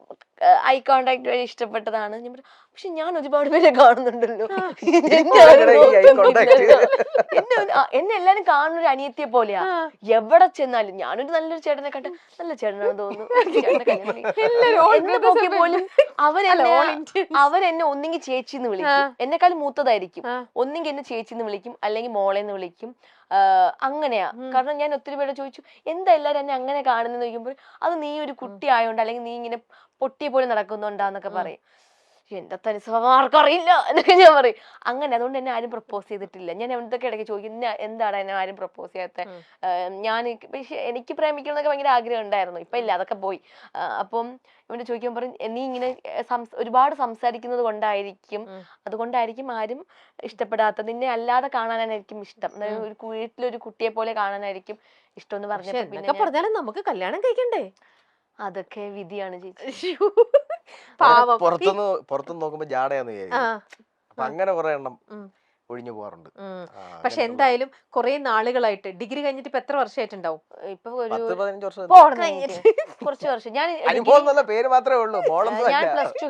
S2: ഐ കോണ്ടാക്ട് വഴി ഇഷ്ടപ്പെട്ടതാണ്. ഞാൻ പറഞ്ഞു, പക്ഷെ ഞാൻ ഒരുപാട് പേരെ കാണുന്നുണ്ടല്ലോ, എന്നെ ആരും
S3: ഇതിനിടെ ഈ eye contact.
S2: നോക്കുന്നില്ലല്ലോ. എന്നെ ഒരു- ആ, എന്നെ എല്ലാരും കാണുന്ന ഒരു അനിയത്തിയെ പോലെയാ.
S1: ആ.
S2: എവിടെ ചെന്നാലും ഞാനൊരു നല്ലൊരു ചേട്ടനെ കണ്ട് നല്ല ചേട്ടനാണെന്ന് തോന്നുന്നു, ചേട്ടനെ കല്യാണം കഴിക്കും.
S1: എല്ലാരും all
S2: എന്നെ
S1: brothers
S2: നോക്കി
S1: are
S2: പോലും അവരെന്നെ
S1: all Indians.
S2: അവരെന്നെ ഒന്നെങ്കിൽ ചേച്ചിന്ന് വിളിക്കും, എന്നെക്കാളും മൂത്തതായിരിക്കും.
S1: ആ.
S2: ഒന്നെങ്കിൽ എന്നെ ചേച്ചിന്ന് വിളിക്കും, അല്ലെങ്കിൽ മോളെന്ന് വിളിക്കും. ആഹ് അങ്ങനെയാ. കാരണം ഞാൻ ഒത്തിരി പേരെ ചോദിച്ചു, എന്താ എല്ലാരും എന്നെ അങ്ങനെ കാണുന്നെന്ന് ചോദിക്കുമ്പോൾ, അത് നീ ഒരു കുട്ടി ആയോണ്ട് അല്ലെങ്കിൽ നീ ഇങ്ങനെ പൊട്ടിയെ പോലെ നടക്കുന്നുണ്ടാന്നൊക്കെ പറയും. എന്റെ തനി സ്വഭാവം ആർക്കും അറിയില്ല എന്നൊക്കെ ഞാൻ പറയും. അങ്ങനെ അതുകൊണ്ട് എന്നെ ആരും പ്രപ്പോസ് ചെയ്തിട്ടില്ല. ഞാൻ എന്തൊക്കെ ഇടയ്ക്ക് ചോദിക്കും, "ഇന്ന എന്താണ് എന്നെ ആരും പ്രപ്പോസ് ചെയ്യാത്ത?" ഞാൻ പക്ഷെ എനിക്ക് പ്രേമിക്കണം എന്നൊക്കെ ഭയങ്കര ആഗ്രഹം ഉണ്ടായിരുന്നു. ഇപ്പൊ ഇല്ല, അതൊക്കെ പോയി. ആ, അപ്പം ഇവന്റെ ചോദിക്കാൻ പറയും, നീ ഇങ്ങനെ സംസ് ഒരുപാട് സംസാരിക്കുന്നത് കൊണ്ടായിരിക്കും, അതുകൊണ്ടായിരിക്കും ആരും ഇഷ്ടപ്പെടാത്തത്. നിന്നെ അല്ലാതെ കാണാനായിരിക്കും ഇഷ്ടം, അതായത് ഒരു വീട്ടിലൊരു കുട്ടിയെ പോലെ കാണാനായിരിക്കും ഇഷ്ടം എന്ന്
S1: പക്ഷെ
S2: പറഞ്ഞപ്പോ
S1: എന്നൊക്കെ
S2: പിന്നെ ഞാൻ-
S1: പറഞ്ഞാലും നമുക്ക് കല്യാണം കഴിക്കണ്ടേ?
S2: അതൊക്കെ വിധിയാണ് ചേച്ചി.
S1: ശ്ശോ. പാവം.
S3: പുറത്തുനിന്ന് പുറത്തുനിന്ന് നോക്കുമ്പോ ജാടയാന്ന്
S1: ആ.
S3: വിചാരിക്കും. അപ്പൊ അങ്ങനെ കുറെ എണ്ണം
S1: ഉം.
S3: ഒഴിഞ്ഞു പോകാറുണ്ട്.
S1: ഉം.
S3: ആ,
S1: പക്ഷെ
S3: അങ്ങനെയുള്ള-
S1: എന്തായാലും കുറെ നാളുകളായിട്ട് ഡിഗ്രി കഴിഞ്ഞിട്ട് ഇപ്പൊ എത്ര വർഷമായിട്ടുണ്ടാവും?
S2: ഇപ്പൊ ഒരു
S3: പത്ത് പതിനഞ്ച് വർഷം
S2: പോണം കഴിഞ്ഞിട്ട് കുറച്ച് വർഷം ഞാൻ
S3: അനുഭവം എന്നുള്ള പേര് മാത്രമേ ഉള്ളൂ, മോളൊന്നും
S2: ഞാൻ
S3: അല്ല.
S2: പ്ലസ് ടു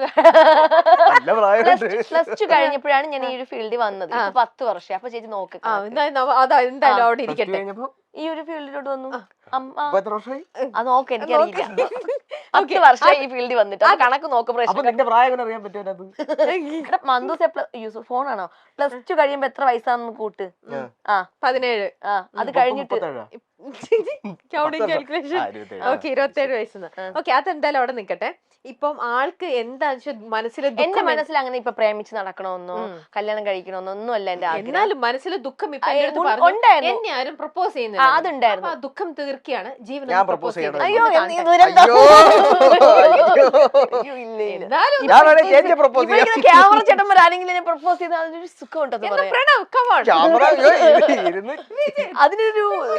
S3: നല്ല പ്രായമുണ്ട്.
S2: പ്ലസ് ടു കഴിഞ്ഞപ്പോഴാണ് ഞാൻ ഈ ഒരു ഫീൽഡിൽ വന്നത്. ഇപ്പൊ പത്ത് വർഷം. അപ്പൊ ചേച്ചി നോക്ക്
S1: ആ,
S2: കണക്ക്.
S1: എന്താ നവ- അതാ എന്തായാലും അവിടെ
S3: Plus two
S1: ഇരിക്കട്ടെ.
S3: കഴിഞ്ഞപ്പോ
S2: ഈ ഒരു ഫീൽഡിലോട്ട് വന്നു. അമ്മ
S3: ഇപ്പൊ എത്ര വർഷമായി?
S2: അത് നോക്ക്, എനിക്കറിയില്ല.
S1: Okay.
S2: പത്ത് വർഷം ഈ ഫീൽഡിൽ വന്നിട്ട് അപ്പൊ കണക്ക് നോക്ക്.
S3: അപ്പൊ
S2: പ്രശ്നം
S3: നിന്റെ പ്രായം എങ്ങനെ അറിയാൻ പറ്റുമോ?
S2: മന്ദൂസ് ഫോണാണോ? പ്ലസ് ടു കഴിയുമ്പോ എത്ര വയസ്സാന്ന് കൂട്ട്. ആ
S1: പതിനേഴ്.
S2: ആ അത് കഴിഞ്ഞിട്ട്
S1: കാൽക്കുലേഷൻ. ഓക്കെ, ഇരുപത്തേഴ് വയസ്സെന്ന്. ഓക്കെ, അതെന്തായാലും അവിടെ നിക്കട്ടെ. ഇപ്പം ആൾക്ക് എന്താ മനസ്സിൽ
S2: എന്റെ മനസ്സിൽ അങ്ങനെ ഇപ്പൊ പ്രേമിച്ച് നടക്കണമെന്നോ കല്യാണം കഴിക്കണമെന്നോ ഒന്നും അല്ല എന്റെ ആഗ്രഹം.
S1: എന്നാലും മനസ്സിൽ ദുഃഖം ഇപ്പൊ
S2: ആ,
S1: എൻ്റെ അടുത്ത്
S2: ഉ-
S1: പറഞ്ഞു,
S2: ഉണ്ടായിരുന്നു.
S1: എന്നെ ആരും പ്രപ്പോസ്
S2: ആ,
S1: ചെയ്യുന്നില്ല.
S2: അതുണ്ടായിരുന്നു.
S1: അപ്പൊ ആ ദുഃഖം തീർക്കുകയാണ് ജീവൻ
S3: ഞാൻ
S1: പ്രപ്പോസ്
S3: propose ചെയ്യണം.
S2: അയ്യോ
S1: ചെയ്യുന്നത്.
S2: എന്ത് ദുരന്തം.
S3: അയ്യോ.
S2: അയ്യോ, ഇല്ല, ഇല്ല.
S1: എന്നാലും
S3: ഞാൻ വേണേ ചേച്ചിയെ propose ചെയ്യാം.
S2: ഇവരിങ്ങനെ ക്യാമറ ചേട്ടന്മാർ ആരെങ്കിലും എന്നെ പ്രപ്പോസ് ചെയ്താൽ അതിനൊരു സുഖം ഉണ്ടെന്ന്
S1: എന്നാ
S2: പറയാം.
S1: Pranav, come on.
S3: ക്യാമറ ഇരുന്ന്
S2: അതിനൊരു ഒരു feel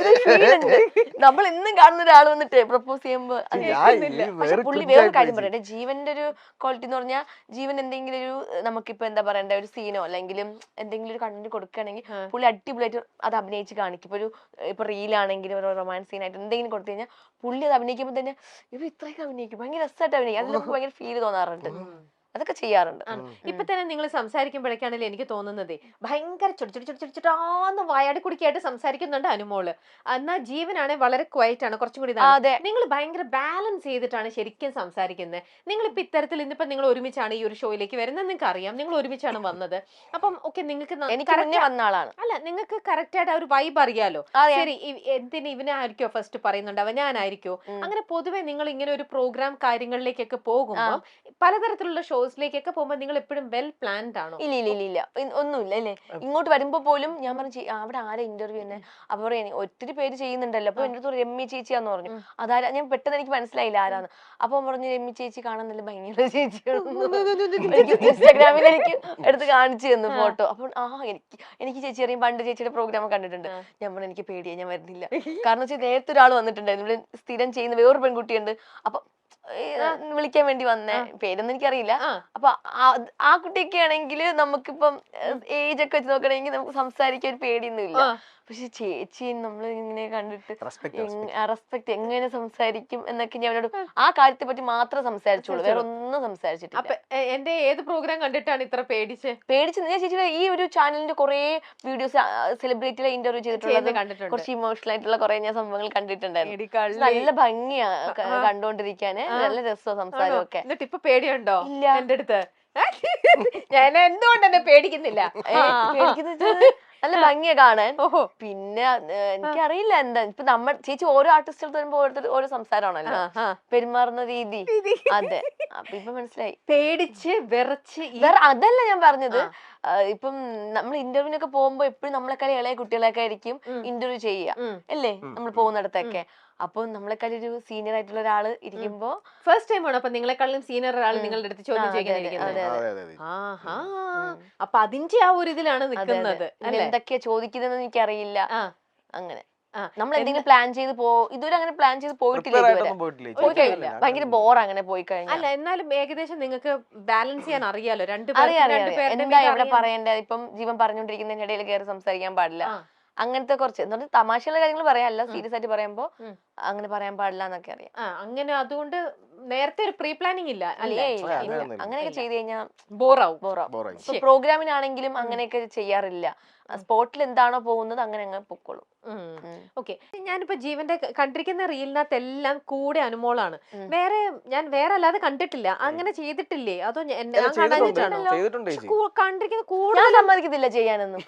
S2: പറയുന്നുണ്ട് നമ്മൾ ഇന്നും കാണുന്ന ഒരാൾ വന്നിട്ട് പ്രപ്പോസ് ചെയ്യുമ്പോ അത്
S3: ഞാൻ
S2: കേൾക്കുന്നില്ല.
S3: ഈ
S2: പക്ഷെ
S3: വേറെ
S2: പുള്ളി
S3: കുഞ്ചായി
S2: വേറൊരു കാര്യം
S3: പോയി.
S2: പറയട്ടെ, ജീവന്റെ ഒരു ക്വാളിറ്റി എന്ന് പറഞ്ഞാൽ ജീവൻ എന്തെങ്കിലും ഒരു നമുക്കിപ്പോ എന്താ പറയണ്ട ഒരു സീനോ അല്ലെങ്കിൽ എന്തെങ്കിലും ഒരു കണ്ടന്റ് കൊടുക്കുകയാണെങ്കിൽ പുള്ളി അടിപൊളിയായിട്ട് അത് അഭിനയിച്ച് കാണിക്കും. ഇപ്പൊ ഒരു ഇപ്പൊ റീലാണെങ്കിലും ഒരു റൊമാൻസ് സീനായിട്ട് എന്തെങ്കിലും കൊടുത്തു കഴിഞ്ഞാൽ പുള്ളി അത് അഭിനയിക്കുമ്പോൾ തന്നെ ഇവ ഇത്രയൊക്കെ അഭിനയിക്കും, ഭയങ്കര രസമായിട്ട് അഭിനയിക്കും. അതിൽ നമുക്ക് ഭയങ്കര ഫീൽ തോന്നാറുണ്ട്. അതൊക്കെ ചെയ്യാറുണ്ട്.
S1: ഇപ്പൊ തന്നെ നിങ്ങൾ സംസാരിക്കുമ്പോഴേക്കാണല്ലോ എനിക്ക് തോന്നുന്നതേ ഭയങ്കര ചുടിച്ചുടി ചുടിച്ചുടാന്ന് വായാടി കുടിക്കായിട്ട് സംസാരിക്കുന്നുണ്ട് അനുമോള്. എന്നാൽ ജീവനാണെ വളരെ ക്വയറ്റ് ആണ്, കുറച്ചും കൂടി
S2: അതെ.
S1: നിങ്ങൾ ഭയങ്കര ബാലൻസ് ചെയ്തിട്ടാണ് ശരിക്കും സംസാരിക്കുന്നത്. നിങ്ങൾ ഇപ്പൊ ഇത്തരത്തിൽ ഇന്നിപ്പോ നിങ്ങൾ ഒരുമിച്ചാണ് ഈ ഒരു ഷോയിലേക്ക് വരുന്നത്, നിങ്ങൾക്ക് അറിയാം, നിങ്ങൾ ഒരുമിച്ചാണ് വന്നത്. അപ്പം ഓക്കെ നിങ്ങൾക്ക്
S2: എനിക്ക് മുന്നേ വന്ന ആളാണ്.
S1: അല്ല നിങ്ങൾക്ക് കറക്റ്റ് ആയിട്ട് ആ ഒരു വൈബ് അറിയാലോ. ശരി, എന്തിന് ഇവനായിരിക്കോ ഫസ്റ്റ് പറയുന്നുണ്ടാവുക, ഞാനായിരിക്കോ? അങ്ങനെ പൊതുവെ നിങ്ങൾ ഇങ്ങനെ ഒരു പ്രോഗ്രാം കാര്യങ്ങളിലേക്കൊക്കെ പോകുമ്പോൾ പലതരത്തിലുള്ള ഷോസിലേക്കൊക്കെ പോകുമ്പോൾ നിങ്ങൾ എപ്പോഴും വെൽ പ്ലാൻഡ് ആണോ?
S2: ഇല്ല ഇല്ല ഇല്ല ഇല്ല ഒന്നുമില്ല അല്ലേ. ഇങ്ങോട്ട് വരുമ്പോ പോലും ഞാൻ പറഞ്ഞു അവിടെ ആരാ ഇന്റർവ്യൂ തന്നെ, അപ്പൊ പറയാ ഒത്തിരി പേര് ചെയ്യുന്നുണ്ടല്ലോ. അപ്പൊ എന്റെ അടുത്ത് രമ്യ ചേച്ചിയാന്ന് പറഞ്ഞു. അതാരാ ഞാൻ പെട്ടെന്ന് എനിക്ക് മനസ്സിലായില്ല ആരാന്ന്. അപ്പൊ പറഞ്ഞു രമ്യ ചേച്ചി കാണാൻ നല്ല ഭയങ്കര ചേച്ചിയാണ്. ഇൻസ്റ്റാഗ്രാമിൽ എനിക്ക് എടുത്ത് കാണിച്ചു തന്നു ഫോട്ടോ. അപ്പൊ ആ എനിക്ക് എനിക്ക് ചേച്ചി അറിയാം, പണ്ട് ചേച്ചിയുടെ പ്രോഗ്രാം കണ്ടിട്ടുണ്ട്. ഞാൻ പറഞ്ഞു എനിക്ക് പേടിയാ, ഞാൻ വരുന്നില്ല. കാരണം വെച്ചാൽ നേരത്തെ ഒരാൾ വന്നിട്ടുണ്ടായിരുന്നു, ഇവിടെ സ്ഥിരം ചെയ്യുന്ന വേറൊരു പെൺകുട്ടിയുണ്ട്. അപ്പൊ വിളിക്കാൻ വേണ്ടി വന്നേ, പേരൊന്നും എനിക്കറിയില്ല. അപ്പൊ ആ കുട്ടിയൊക്കെ ആണെങ്കിൽ നമുക്കിപ്പം ഏജ് ഒക്കെ വെച്ച് നോക്കണമെങ്കിൽ നമുക്ക് സംസാരിക്കാൻ ഒരു പേടിയൊന്നും ഇല്ല. പക്ഷെ ചേച്ചി നമ്മൾ ഇങ്ങനെ കണ്ടിട്ട് റെസ്പെക്ട് എങ്ങനെ സംസാരിക്കും എന്നൊക്കെ ഞാൻ അവരോട് ആ കാര്യത്തെ പറ്റി മാത്രം സംസാരിച്ചോളൂ, വേറെ ഒന്നും സംസാരിച്ചിട്ടില്ല.
S1: എന്റെ ഏത് പ്രോഗ്രാം കണ്ടിട്ടാണ് ഇത്ര പേടിച്ച് പേടിച്ച്
S2: ഞാൻ ചേച്ചിയുടെ ഈ ഒരു ചാനലിന്റെ കുറെ വീഡിയോസ് സെലിബ്രിറ്റികളെ ഇന്റർവ്യൂ ചെയ്തിട്ടുള്ളത്, കുറച്ച് ഇമോഷണൽ ആയിട്ടുള്ള കുറെ ഞാൻ സംഭവങ്ങൾ കണ്ടിട്ടുണ്ടായിരുന്നു. നല്ല ഭംഗിയാ കണ്ടോണ്ടിരിക്കാന്, നല്ല രസമാണ് സംസാരമൊക്കെ.
S1: എന്നിട്ട് ഇപ്പൊ പേടിയുണ്ടോ?
S2: ഇല്ല.
S1: എന്റെ അടുത്ത് ഞാൻ എന്തുകൊണ്ട് എന്നെ പേടിക്കുന്നില്ല?
S2: പേടിക്കുന്നത് നല്ല ഭംഗിയാ കാണാൻ. പിന്നെ എനിക്കറിയില്ല എന്താ ഇപ്പൊ നമ്മൾ ചേച്ചി ഓരോ ആർട്ടിസ്റ്റുകൾ വരുമ്പോ ഓരോരുത്തർ ഓരോ സംസാരമാണല്ലോ, പെരുമാറുന്ന രീതി. അതെ, അപ്പൊ ഇപ്പൊ മനസ്സിലായി.
S1: പേടിച്ച് വിറച്ച്
S2: വേറെ അതല്ല ഞാൻ പറഞ്ഞത്. ഇപ്പം നമ്മൾ ഇന്റർവ്യൂവിനൊക്കെ പോകുമ്പോ എപ്പോഴും നമ്മളെക്കാളും ഇളയ കുട്ടികളൊക്കെ ആയിരിക്കും ഇന്റർവ്യൂ ചെയ്യുക അല്ലേ, നമ്മൾ പോകുന്നിടത്തൊക്കെ. അപ്പൊ നമ്മളെക്കാളും ഒരു സീനിയർ ആയിട്ടുള്ള ഒരാള് ഇരിക്കുമ്പോ
S1: ഫസ്റ്റ് ടൈം ആണ് അപ്പൊ നിങ്ങളെക്കാളും സീനിയർ ഒരാൾ നിങ്ങളുടെ അടുത്ത് ചോദ്യം ചെയ്യുന്നത്. ആഹാ, അപ്പൊ അതിന്റെ ആ ഒരു ഇതിലാണ് നിൽക്കുന്നത്.
S2: എന്തൊക്കെയാ ചോദിക്കുന്നതെന്ന് എനിക്കറിയില്ല. അങ്ങനെ നമ്മൾ എന്തെങ്കിലും പ്ലാൻ ചെയ്ത് പോ ഇതുവരെ അങ്ങനെ പ്ലാൻ ചെയ്ത് പോയിട്ടില്ല, പോയി കഴിഞ്ഞില്ല. ഭയങ്കര ബോർ അങ്ങനെ പോയി കഴിഞ്ഞാൽ.
S1: അല്ല എന്നാലും ഏകദേശം നിങ്ങൾക്ക് ബാലൻസ് ചെയ്യാൻ അറിയാലോ, രണ്ട്
S2: എന്താ എവിടെ പറയേണ്ടത്. ഇപ്പം ജീവൻ പറഞ്ഞോണ്ടിരിക്കുന്നതിന്റെ ഇടയിൽ കയറി സംസാരിക്കാൻ പാടില്ല, അങ്ങനത്തെ കുറച്ച് എന്ന് പറഞ്ഞാൽ തമാശയുള്ള കാര്യങ്ങൾ പറയാല്ല, സീരിയസ് ആയിട്ട് പറയുമ്പോ അങ്ങനെ പറയാൻ പാടില്ല എന്നൊക്കെ അറിയാം.
S1: അങ്ങനെ അതുകൊണ്ട് നേരത്തെ ഒരു പ്രീ പ്ലാനിങ് ഇല്ല.
S2: അങ്ങനെയൊക്കെ ചെയ്ത് കഴിഞ്ഞാൽ
S1: ബോറാവും.
S2: ബോറാവും. പ്രോഗ്രാമിനാണെങ്കിലും അങ്ങനെയൊക്കെ ചെയ്യാറില്ല. സ്പോട്ടിൽ എന്താണോ പോകുന്നത് അങ്ങനെ അങ്ങ് പൊക്കോളും.
S1: ഓക്കെ, ഞാനിപ്പോ ജീവന്റെ കണ്ടിരിക്കുന്ന റീലിനകത്ത് എല്ലാം കൂടെ അനുമോളാണ്. വേറെ ഞാൻ വേറെ അല്ലാതെ കണ്ടിട്ടില്ല. അങ്ങനെ ചെയ്തിട്ടില്ലേ? അതോ കണ്ടിരിക്കുന്ന കൂടെ
S2: സമ്മതിക്കത്തില്ല ചെയ്യാനൊന്നും.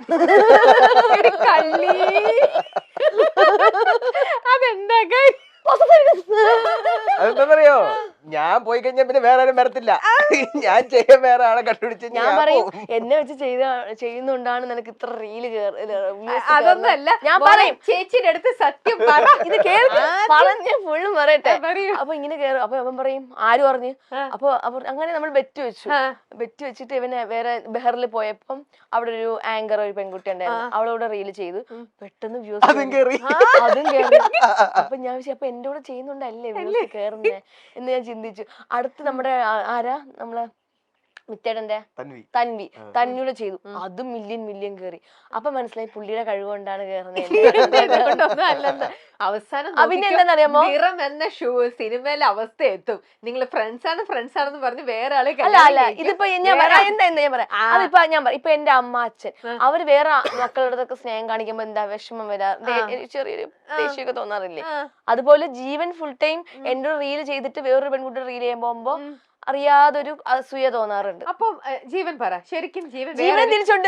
S1: അതെന്താ
S3: അതെന്താന്നറിയോ, ഞാൻ പോയി കഴിഞ്ഞാൽ പിന്നെ വേറെ ആരും വരത്തില്ല. ഞാൻ ചെയ്യാൻ വേറെ ആളെ കണ്ടുപിടിച്ച്
S2: ഞാൻ പറയും എന്നെ വെച്ച് ചെയ്ത ചെയ്യുന്നോണ്ടാണ് നിനക്ക് ഇത്ര റീല്.
S1: അതൊന്നല്ല, ഞാൻ പറയും ചേച്ചിയുടെ അടുത്ത് സത്യം പറ,
S2: ഇത് പറഞ്ഞ ഫുള്ളും പറയട്ടെ. അപ്പൊ ഇങ്ങനെ കേറും. അപ്പൊ അവൻ പറയും ആര് പറഞ്ഞു. അപ്പൊ അങ്ങനെ നമ്മൾ ബെറ്റ് വെച്ചു. ബെറ്റ് വെച്ചിട്ട് ഇവനെ വേറെ ബെഹറിൽ പോയപ്പം അവിടെ ഒരു ആങ്കർ ഒരു പെൺകുട്ടി ഉണ്ടായിരുന്നു, അവളോട് റീല് ചെയ്തു. പെട്ടെന്ന് വ്യൂസ് അതും കേറി. അപ്പൊ ഞാൻ അപ്പൊ എന്റെ കൂടെ ചെയ്യുന്നുണ്ടല്ലേ വ്യൂസ് കേറുന്നേ എന്ന് ഞാൻ ചിന്തിച്ചു. അടുത്ത് നമ്മുടെ ആരാ നമ്മളെ മിത്തേടന്റെ തൻവി തൻവിയുടെ ചെയ്തു, അതും മില്യൺ മില്യൺ കേറി. അപ്പൊ മനസ്സിലായി പുള്ളിയുടെ കഴിവുകൊണ്ടാണ് കേറുന്നത്.
S1: അവസാനം
S2: പിന്നെ എന്താണെന്നറിയാമോ,
S1: എന്ന ഷൂ സിനിമയിലെ അവസ്ഥ എത്തും. നിങ്ങൾ ഫ്രണ്ട്സ് ആണ് ഫ്രണ്ട്സ് ആണെന്ന് പറഞ്ഞ് വേറെ ആളെ
S2: അല്ല അല്ല ഇതിപ്പോ ഞാൻ പറയാം എന്താ എന്താ ഞാൻ പറയാം അതിപ്പോ ഞാൻ പറയാം. ഇപ്പൊ എന്റെ അമ്മ അച്ഛൻ അവര് വേറെ മക്കളുടെ സ്നേഹം കാണിക്കുമ്പോ എന്താ വിഷമം വരാ, ചെറിയൊരു ദേഷ്യമൊക്കെ തോന്നാറില്ലേ? അതുപോലെ ജീവൻ ഫുൾ ടൈം എന്റെ റീല് ചെയ്തിട്ട് വേറൊരു പെൺകുട്ടിയുടെ റീൽ ചെയ്യാൻ പോകുമ്പോ അറിയാതൊരു അസൂയ തോന്നാറുണ്ട്.
S1: അപ്പൊ ജീവൻ പറ, ശരിക്കും ജീവൻ
S2: ജീവൻ തിരിച്ചുണ്ട്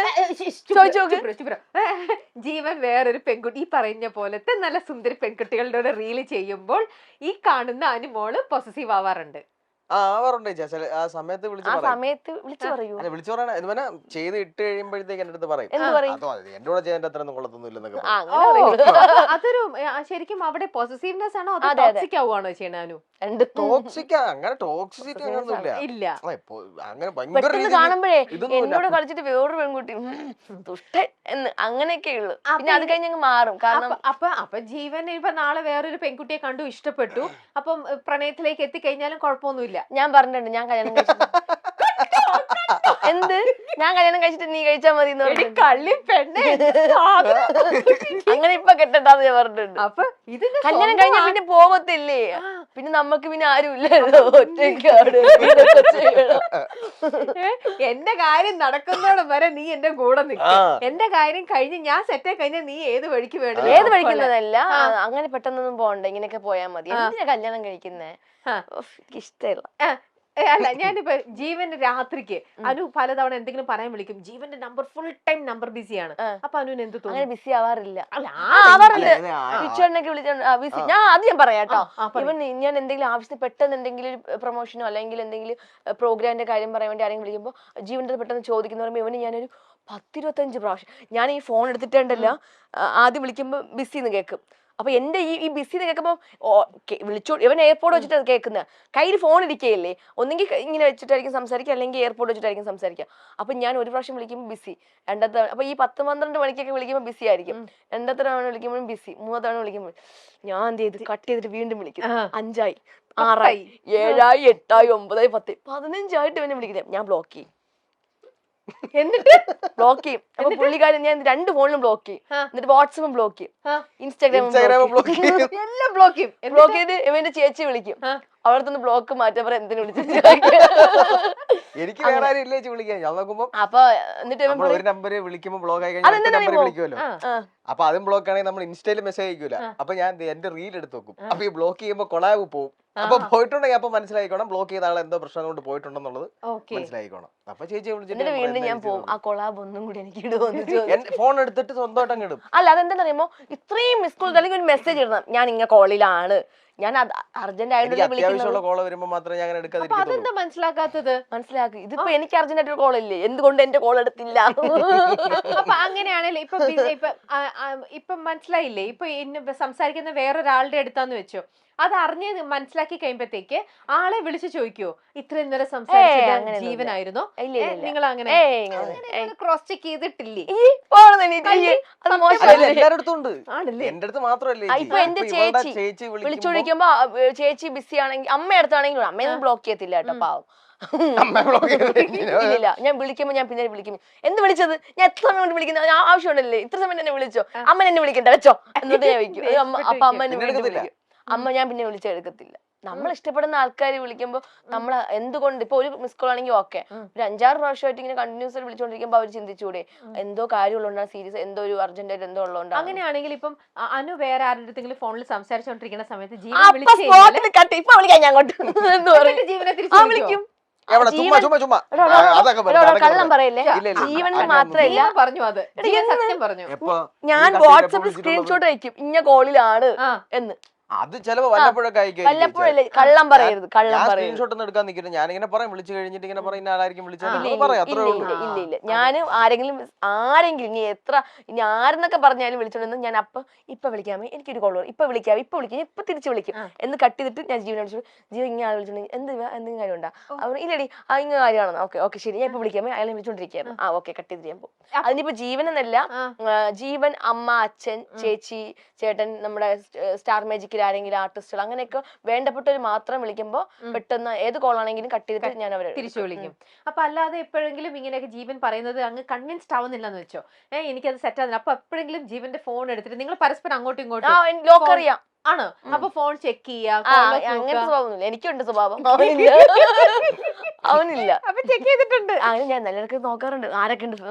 S1: ജീവൻ വേറൊരു പെൺകുട്ടി ഈ പറഞ്ഞ പോലത്തെ നല്ല സുന്ദരി പെൺകുട്ടികളുടെ റീല് ചെയ്യുമ്പോൾ ഈ കാണുന്ന അനുമോള് പൊസസീവ് ആവാറുണ്ട്.
S3: ആ ആവാറുണ്ട് ചേച്ചി ചില ആ സമയത്ത് വിളിച്ച്
S2: ആ
S3: പറയും.
S2: സമയത്ത് വിളിച്ചു പറയൂ.
S3: അല്ല വിളിച്ചു പറയണ എന്ന് പറഞ്ഞാൽ ചെയ്ത് ഇട്ട് കഴിയുമ്പോഴത്തേക്ക് എന്റെ അടുത്ത് പറയും
S2: എന്ത് പറയും?
S3: അതോ അത് എന്റെ കൂടെ ചെയ്യാൻ അത്ര ഒന്നും കൊള്ളത്തൊന്നും ഇല്ലെന്നൊക്കെ
S2: ആ,
S3: പറയും.
S2: അങ്ങനെ പറയൂ.
S1: അപ്പൊ അതൊരു ആ, ശരിക്കും അവിടെ പോസിറ്റീവ്നെസ് ആണോ അതോ
S2: അതെ, അതെ.
S1: ടോക്സിക് ആവുകയാണോ ചെയ്യണു?
S2: രണ്ട്
S3: ടോക്സിക് അങ്ങനെ ടോക്സിസിറ്റി അങ്ങനൊന്നുമില്ല.
S1: ഇല്ല.
S3: ആ, ഇപ്പൊ അങ്ങനെ ഭയങ്കര
S2: പെട്ടെന്ന്
S3: രീതിയിൽ
S2: കാണുമ്പോഴേ
S3: ഇതൊന്നുമില്ല.
S2: എന്നോട് കളിച്ചിട്ട് വേറൊരു പെൺകുട്ടി ഉം, ദുഷ്ടൻ എന്ന് അങ്ങനെയൊക്കെ ഉള്ളു.
S1: അപ്പൊ
S2: പിന്നെ അത് കഴിഞ്ഞ് അങ്ങ് മാറും. കാരണം
S1: അപ്പൊ അപ്പൊ അപ്പൊ ജീവൻ ഇപ്പൊ നാളെ വേറൊരു പെൺകുട്ടിയെ കണ്ടു ഇഷ്ടപ്പെട്ടു, അപ്പം ഏ, പ്രണയത്തിലേക്ക് എത്തിക്കഴിഞ്ഞാലും കുഴപ്പമൊന്നുമില്ല.
S2: ഞാൻ പറഞ്ഞിട്ടുണ്ട് ഞാൻ കല്യാണം കഴിച്ചു എന്ത് ഞാൻ കല്യാണം കഴിച്ചിട്ട് നീ കഴിച്ചാ മതി എന്ന്
S1: എടി
S2: പറഞ്ഞിട്ടുണ്ട്.
S1: കള്ളി പെണ്ണേ, സാധനം.
S2: അങ്ങനെ ഇപ്പൊ കെട്ടണ്ടാന്ന് ഞാൻ പറഞ്ഞിട്ടുണ്ട്.
S1: അപ്പൊ ഇതിന്റെ
S2: കല്യാണം കഴിഞ്ഞാൽ
S1: സ്വന്തം
S2: പിന്നെ പോകത്തില്ലേ,
S1: ആ.
S2: പിന്നെ നമുക്ക് പിന്നെ ആരും ഇല്ലല്ലോ, ഒറ്റയ്ക്കാണ് ഇതൊക്കെ ചെയ്യണം.
S1: ഏ, എന്റെ കാര്യം നടക്കുന്നോളം വരെ നീ എന്റെ കൂടെ നിൽക്കും.
S3: ആ.
S1: എന്റെ കാര്യം കഴിഞ്ഞ് ഞാൻ സെറ്റ് ആയി കഴിഞ്ഞാൽ നീ ഏത് വഴിക്ക് വേണം
S2: ഏത് പഠിക്കുന്നതല്ല, അങ്ങനെ പെട്ടെന്നൊന്നും പോകണ്ട, ഇങ്ങനെയൊക്കെ പോയാൽ മതി. എന്തിനാ കല്യാണം കഴിക്കുന്നേ?
S1: ആ.
S2: എനിക്ക് ഇഷ്ടമില്ല.
S1: അല്ല ഞാനിപ്പോ ജീവന്റെ രാത്രിക്ക് അനു പലതവണ എന്തെങ്കിലും പറയാൻ വിളിക്കും, ജീവന്റെ നമ്പർ ഫുൾ ടൈം നമ്പർ ബിസിയാണ്. അപ്പൊ അനുവിന് എന്ത്
S2: അങ്ങനെ
S1: തോന്നും?
S2: ബിസി ആവാറില്ല.
S1: അല്ല,
S2: ആ,
S1: ആ,
S2: ആവാറുണ്ട്.
S3: അല്ല, ആ,
S2: പിച്ചോടിനൊക്കെ വിളിച്ച ബിസി. ഞാൻ അത് ഞാൻ പറയാം കേട്ടോ.
S1: ആ, പറയ്.
S2: ഇവൻ ഞാൻ എന്തെങ്കിലും ആവശ്യത്തിന് പെട്ടെന്ന് എന്തെങ്കിലും പ്രൊമോഷനോ അല്ലെങ്കിൽ എന്തെങ്കിലും പ്രോഗ്രാമിന്റെ കാര്യം പറയാൻ വേണ്ടി ആരെങ്കിലും വിളിക്കുമ്പോൾ ജീവന്റെ പെട്ടെന്ന് ചോദിക്കുന്ന പറയുമ്പോൾ ഇവന് ഞാനൊരു പത്തിരുപത്തഞ്ച് പ്രാവശ്യം ഞാൻ ഈ ഫോൺ എടുത്തിട്ടുണ്ടല്ല, ആദ്യം വിളിക്കുമ്പോൾ ബിസി എന്ന് കേൾക്കും. അപ്പൊ എന്റെ ഈ ഈ ബിസി കേൾക്കുമ്പോൾ വിളിച്ചോ, ഇവൻ എയർപോർട്ട് വെച്ചിട്ട് അത് കേൾക്കുന്നത്, കയ്യിൽ ഫോൺ ഇരിക്കുകയില്ലേ, ഒന്നെങ്കിൽ ഇങ്ങനെ വെച്ചിട്ടായിരിക്കും സംസാരിക്കുക, അല്ലെങ്കിൽ എയർപോർട്ട് വെച്ചിട്ടായിരിക്കും സംസാരിക്കുക. അപ്പൊ ഞാൻ ഒരു പ്രാവശ്യം വിളിക്കുമ്പോൾ ബിസി, രണ്ടാമത്തെ അപ്പൊ ഈ പത്ത് പന്ത്രണ്ട് മണിക്കൊക്കെ വിളിക്കുമ്പോൾ ബിസി ആയിരിക്കും, രണ്ടാമത്തെ തവണ വിളിക്കുമ്പോഴും ബിസി, മൂന്നാമത്തെ തവണ വിളിക്കുമ്പോൾ ഞാൻ എന്ത് ചെയ്ത് കട്ട് ചെയ്തിട്ട് വീണ്ടും വിളിക്കും. അഞ്ചായി, ആറായി, ഏഴായി, എട്ടായി, ഒമ്പതായി, പത്ത്, പതിനഞ്ചായിട്ട് ഇവനെ വിളിക്കുന്നത് ഞാൻ ബ്ലോക്ക് ചെയ്യും.
S1: എന്നിട്ട്
S2: ബ്ലോക്ക് ചെയ്യും. അപ്പൊ പുള്ളിക്കാരൻ ഞാൻ രണ്ട് ഫോണിലും ബ്ലോക്ക് ചെയ്യും, എന്നിട്ട് വാട്സപ്പും ബ്ലോക്ക് ചെയ്യും, ഇൻസ്റ്റാഗ്രാമും
S3: ഇൻസ്റ്റാഗ്രാം
S2: ബ്ലോക്ക്
S3: ബ്ലോക്ക്
S2: ചെയ്യും.
S3: ചെയ്യും.
S1: എല്ലാം ബ്ലോക്ക് ചെയ്യും.
S2: ബ്ലോക്ക് ചെയ്ത് ഇവന്റെ ചേച്ചി വിളിക്കും, അവിടത്തുനിന്ന് ബ്ലോക്ക് മാറ്റാൻ പറയാൻ എന്തിനു വിളിച്ചു.
S3: എനിക്ക് വേറെ ആരും ഇല്ല ചേച്ചി വിളിക്കാൻ. ഞാൻ നോക്കുമ്പോ
S2: അപ്പൊ എന്നിട്ട് ഇവൻ
S3: നമ്മൾ ഒരു നമ്പര് വിളിക്കുമ്പോ ബ്ലോക്ക് ആയി കഴിഞ്ഞാൽ
S2: അതെന്താ
S3: നമ്പർ
S2: അറിയുമോ?
S3: വിളിക്കുമല്ലോ. അപ്പൊ അതും ബ്ലോക്ക് ആണെങ്കിൽ നമ്മൾ ഇൻസ്റ്റയിൽ മെസ്സേജ് അയക്കൂല. അപ്പൊ ഞാൻ ദേ എന്റെ റീൽ എടുത്ത് നോക്കും. അപ്പൊ ഈ ബ്ലോക്ക് ചെയ്യുമ്പോ കൊളാവ് പോവും. അപ്പൊ പോയിട്ടുണ്ടെങ്കിൽ അപ്പൊ മനസ്സിലായിക്കോണം ബ്ലോക്ക് ചെയ്ത ആളെ എന്തോ പ്രശ്നം കൊണ്ട് പോയിട്ടുണ്ടെന്നുള്ളത് മനസ്സിലായിക്കോണം. അപ്പൊ ചേച്ചി
S2: എന്നിട്ട് വീണ്ടും ഞാൻ പോകും, ആ കൊളാബ് ഒന്നും കൂടി എനിക്ക് ഇടുവോന്ന്
S3: ഫോൺ എടുത്തിട്ട് സ്വന്തമായിട്ട് അങ്ങ് ഇടും.
S2: അല്ല അതെന്താ അറിയുമോ, ഇത്രയും മിസ് കോൾ അല്ലെങ്കിൽ ഒരു മെസ്സേജ് ഇടണം, ഞാൻ ഇങ്ങനെ കോളിലാണ്, ഞാൻ അർജന്റ് ആയിട്ട്
S3: അത്യാവശ്യമുള്ള കോള് വരുമ്പോ മാത്രമേ ഞാൻ അങ്ങനെ എടുക്കാതിരിക്കുള്ളൂ.
S1: അതെന്താ മനസ്സിലാക്കാത്തത്?
S2: മനസ്സിലാക്കി. ഇതിപ്പോ എനിക്ക് അർജന്റ് ആയിട്ട് കോൾ ഇല്ലേ, എന്തുകൊണ്ട് എന്റെ കോൾ എടുത്തില്ല?
S1: അപ്പൊ അങ്ങനെയാണല്ലേ ഇപ്പൊ ബി- ഇപ്പൊ ആ, ആ, ഇപ്പൊ മനസ്സിലായില്ലേ, ഇപ്പൊ ഇന്ന് സംസാരിക്കുന്ന വേറൊരാളുടെ അടുത്താന്ന് വെച്ചോ, അത് അറിഞ്ഞ് മനസ്സിലാക്കി കഴിയുമ്പത്തേക്ക് ആളെ വിളിച്ചു ചോദിക്കോ ഇത്രയും നേരം സംസാരിച്ചത്
S2: അങ്ങനെയൊന്നുമില്ല.
S1: ജീവനായിരുന്നോ?
S2: ഇല്ല, ഇല്ല, ഇല്ല.
S1: നിങ്ങൾ അങ്ങനെ
S2: ഏയ് ഇങ്ങനെ.
S1: ക്രോസ് ചെക്ക് ചെയ്തിട്ടില്ലേ?
S2: ഈ പോണെന്ന് എനിക്ക് ഈ അത്
S3: അല്ല,
S2: മോശമല്ലേ?
S3: എല്ലാരുടെ അടുത്തും ഉണ്ട്.
S1: ആണല്ലേ?
S3: എന്റെ അടുത്ത് മാത്രമല്ലേ
S2: ആ,
S3: ചേച്ചി.
S2: ഇപ്പൊ എന്റെ
S3: ഇപ്പൊ ഇവളുടെ
S2: ചേച്ചി
S3: ചേച്ചി
S2: വിളിച്ചു
S3: വിളിക്കുമ്പോ
S2: വിളിക്കുമ്പോ ആ, ചേച്ചി ബിസി ആണെങ്കിൽ അമ്മ അടുത്താണെങ്കിൽ അമ്മയൊന്നും ബ്ലോക്ക് ചെയ്യത്തില്ല കേട്ടോ, പാവം.
S3: അമ്മ block ചെയ്ത്
S2: ഇല്ല, ഞാൻ വിളിക്കുമ്പോ ഞാൻ പിന്നെ വിളിക്കും, എന്ത് വിളിച്ചത്, ഞാൻ എത്ര സമയം കൊണ്ട് വിളിക്കുന്നത്, ആവശ്യമുണ്ടല്ലേ, ഇത്ര സമയം എന്നെ വിളിച്ചോ, അമ്മ എന്നെ വിളിക്കണ്ട വെച്ചോ എന്നിട്ട് ഞാൻ വിളിക്കും. ഏ, അമ്മ അപ്പൊ അമ്മ എന്നെ വീണ്ടും വിളിക്കും. അമ്മ ഞാൻ പിന്നെ വിളിച്ചെടുക്കത്തില്ല. നമ്മൾ ഇഷ്ടപ്പെടുന്ന ആൾക്കാർ വിളിക്കുമ്പോ നമ്മൾ എന്തുകൊണ്ട് ഇപ്പൊ ഒരു മിസ് കോൾ ആണെങ്കിൽ ഓക്കെ, ഒരു അഞ്ചാറ് പ്രാവശ്യമായിട്ട് ഇങ്ങനെ കണ്ടിന്യൂസ് ആയിട്ട് വിളിച്ചോണ്ടിരിക്കുമ്പോ അവർ ചിന്തിച്ചൂടെ എന്തോ കാര്യമുള്ളതുകൊണ്ടാണ്, സീരിയസ് എന്തോ ഒരു അർജന്റ് ആയിട്ട് എന്തോ ഉള്ളതുകൊണ്ടാണ്.
S1: അങ്ങനെയാണെങ്കിൽ ഇപ്പം അ- അനു വേറെ ആരുടെ അടുത്തെങ്കിലും ഫോണിൽ സംസാരിച്ചോണ്ടിരിക്കുന്ന സമയത്ത് ജീവൻ
S2: അപ്പൊ
S1: വിളിച്ചു
S2: സ്പോട്ടിൽ കട്ട്, ഇപ്പൊ വിളിക്കാം ഞാൻ അങ്ങോട്ട് എന്ന് പറയും.
S1: ജീവനെ
S2: ആ
S1: തിരിച്ചു
S2: വിളിക്കും.
S3: എവിടെ ചുമ്മാ ചുമ്മാ ചുമ്മാ
S2: എടോ, എടോ,
S3: ആ, അതൊക്കെ
S2: എടോ,
S3: പറഞ്ഞു,
S2: എടോ,
S3: അതൊക്കെ
S2: കള്ളം
S3: പറഞ്ഞു.
S2: പറയല്ലേ.
S3: ഇല്ല, ഇല്ല,
S2: ജീവനിൽ
S3: അങ്ങനെ
S2: മാത്രല്ല,
S1: ജീവൻ പറഞ്ഞു അത് ജീവൻ
S2: എന്ന്
S1: സത്യം പറഞ്ഞു.
S3: എപ്പോ
S2: ഞാൻ
S3: ഈ കട്ടിൽ
S2: വാട്സപ്പിൽ
S3: എപ്പോ
S2: സ്ക്രീൻഷോട്ട് അയക്കും ഇന്ന കോളിലാണ്
S1: ആ
S2: എന്ന്.
S3: അത് ചിലപ്പോ വല്ലപ്പോഴൊക്കെ അയക്കും.
S2: വല്ലപ്പോഴല്ലേ, കള്ളം പറയരുത്, കള്ളം പറയരുത്.
S3: സ്ക്രീൻഷോട്ട് ഒന്നും എടുക്കാൻ നിൽക്കില്ല. ഞാനിങ്ങനെ പറയും, വിളിച്ചു കഴിഞ്ഞിട്ട് ഇങ്ങനെ പറയും, ഇന്ന ആളായിരിക്കും
S2: ഇല്ല,
S3: വിളിച്ചത്
S2: ഇല്ല,
S3: പറയാം, അത്രേ
S2: ഇല്ല,
S3: ഉള്ളൂ.
S2: ഇല്ല, ഇല്ല, ഇല്ല. ഞാൻ ആരെങ്കിലും ആരെങ്കിലും ഇനി എത്ര ഇനി ആരെന്നൊക്കെ പറഞ്ഞാലും വിളിച്ചോണ്ടെന്ന് ഞാൻ അപ്പൊ ഇപ്പൊ വിളിക്കാമേ, എനിക്കൊരു കോൾ വരും, ഇപ്പൊ വിളിക്കാം, ഇപ്പൊ വിളിക്കാം, ഇപ്പൊ തിരിച്ചു വിളിക്കും എന്ന് കട്ട് ചെയ്തിട്ട് ഞാൻ ജീവനെ വിളിച്ചു, ജീവൻ ഇങ്ങനെ ആൾ വിളിച്ചിട്ടുണ്ടെങ്കിൽ എന്ത് എന്തെങ്കിലും കാര്യം ഉണ്ടാ, അവർ ഇല്ലടി ആ ഇങ്ങനെ കാര്യമാണോ, ഓക്കെ ഓക്കെ ശരി, ഞാൻ ഇപ്പൊ വിളിക്കാമേ, അയാളെ വിളിച്ചോണ്ടിരിക്കുകയാണ്, ആ ഓക്കെ കട്ട് ചെയ്തിട്ട് ഞാൻ പോകും. അതിനിപ്പോ ജീവൻ എന്നല്ല, ജീവൻ, അമ്മ, അച്ഛൻ, ചേച്ചി, ചേട്ടൻ, നമ്മുടെ സ്റ്റാർ മാജിക്കിൽ ആരെങ്കിലും ആർട്ടിസ്റ്റുകൾ അങ്ങനെയൊക്കെ വേണ്ടപ്പെട്ടവർ മാത്രം വിളിക്കുമ്പോ പെട്ടെന്ന് ഏത് കോളാണെങ്കിലും കട്ട് ചെയ്തിട്ട് ഞാൻ അവരെ
S1: തിരിച്ചു വിളിക്കും. അപ്പൊ അല്ലാതെ എപ്പോഴെങ്കിലും ഇങ്ങനെയൊക്കെ ജീവൻ പറയുന്നത് അങ്ങ് കൺവിൻസ്ഡ് ആവുന്നില്ലെന്ന് വെച്ചോ, ഏഹ് എനിക്കത് സെറ്റ് ആവുന്നില്ല, അപ്പൊ എപ്പോഴെങ്കിലും ജീവന്റെ ഫോൺ എടുത്തിട്ട് നിങ്ങൾ പരസ്പരം അങ്ങോട്ടും
S2: ആ
S1: ഇങ്ങോട്ടും
S2: ലോക്ക് അറിയാം.
S1: ആണ് അപ്പൊ ഫോൺ ചെക്ക് ചെയ്യാ,
S2: ആ അങ്ങനത്തെ സ്വഭാവമൊന്നുമില്ല, എനിക്കുണ്ട് സ്വഭാവം, അവനില്ല. അവനില്ല.
S1: അപ്പൊ ചെക്ക് ചെയ്തിട്ടുണ്ട്.
S2: അങ്ങനെ ഞാൻ നല്ലവർക്ക് നോക്കാറുണ്ട് ആരൊക്കെ ഉണ്ട്.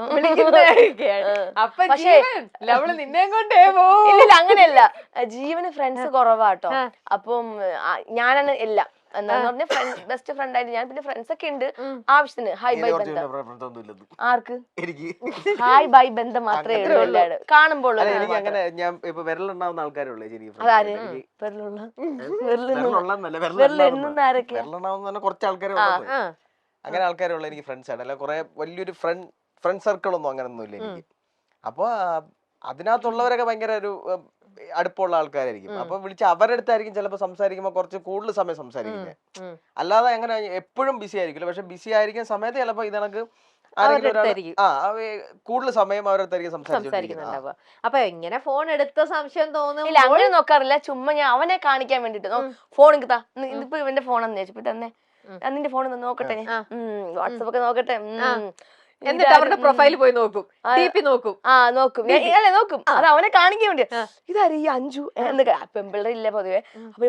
S1: അപ്പൊ
S2: പക്ഷേ
S1: അവള് നിന്നെ കൊണ്ടേ പോവും.
S2: ഇല്ല അങ്ങനെയല്ല, ജീവന് ഫ്രണ്ട്സ് കുറവാട്ടോ. അപ്പം ആ, ഞാനാണ് എല്ലാം. എന്താന്ന് പറഞ്ഞ ബെസ്റ്റ് ഫ്രണ്ട് ആയിട്ട് ഞാൻ പിന്നെ ഫ്രണ്ട്സ് ഒക്കെ ഉണ്ട് ആവശ്യത്തിന് ഹായ് ബൈ ബന്ധം ആർക്ക്
S3: എനിക്ക്
S2: ഹായ് ബൈ ബന്ധം മാത്രമേ ഉള്ളൂ എല്ലാവരും കാണുമ്പോൾ
S3: എനിക്ക് അങ്ങനെ ഞാൻ ഇപ്പൊ വിരലുണ്ടാവുന്ന ആൾക്കാരുള്ളൂ
S2: അതാര് വെരലുള്ള വെരലെണ്ണുന്ന ആരൊക്കെയാ
S3: വിരലുണ്ടാവുന്ന കുറച്ച് ആൾക്കാരെ അങ്ങനെ ആൾക്കാരുള്ള എനിക്ക് ഫ്രണ്ട്സ് ആണ് അല്ല കുറെ വലിയൊരു ഫ്രണ്ട് ഫ്രണ്ട് സർക്കിൾ ഒന്നും അങ്ങനെ ഒന്നും ഇല്ല എനിക്ക് അപ്പൊ അതിനകത്തുള്ളവരൊക്കെ ഭയങ്കര ഒരു അടുപ്പമുള്ള ആൾക്കാരായിരിക്കും അപ്പൊ വിളിച്ച് അവരുടെ അടുത്തായിരിക്കും ചിലപ്പോൾ സംസാരിക്കുമ്പോൾ കുറച്ച് കൂടുതൽ സമയം സംസാരിക്കുന്നത് അല്ലാതെ അങ്ങനെ എപ്പോഴും ബിസി ആയിരിക്കില്ല പക്ഷെ ബിസി ആയിരിക്കുന്ന സമയത്ത് ചിലപ്പോൾ ഇതണക്ക് ആ കൂടുതൽ സമയം അവരടുത്തായിരിക്കും സംസാരിക്കുന്നുണ്ടാവുക.
S1: അപ്പൊ എങ്ങനെ ഫോൺ എടുത്ത സംശയം തോന്നും?
S2: ഇല്ല അങ്ങനെ നോക്കാറില്ല, ചുമ്മാ ഞാൻ അവനെ കാണിക്കാൻ വേണ്ടിട്ട് ഫോൺ കിട്ടാ ഇതിപ്പോ ഇവന്റെ ഫോണെന്ന് ചോദിച്ചപ്പോ തന്നെ നിന്റെ ഫോൺ നോക്കട്ടെ, വാട്സപ്പ് ഒക്കെ നോക്കട്ടെ,
S1: എന്നിട്ട് അവരുടെ പ്രൊഫൈൽ പോയി നോക്കും, നോക്കും
S2: ആ നോക്കും അല്ലെ നോക്കും, അത് അവനെ കാണിക്കാൻ വേണ്ടി. ഇതാരും ഈ അഞ്ചു എന്നൊക്കെ പെമ്പിള്ളേർ ഇല്ല പൊതുവെ, അപ്പൊ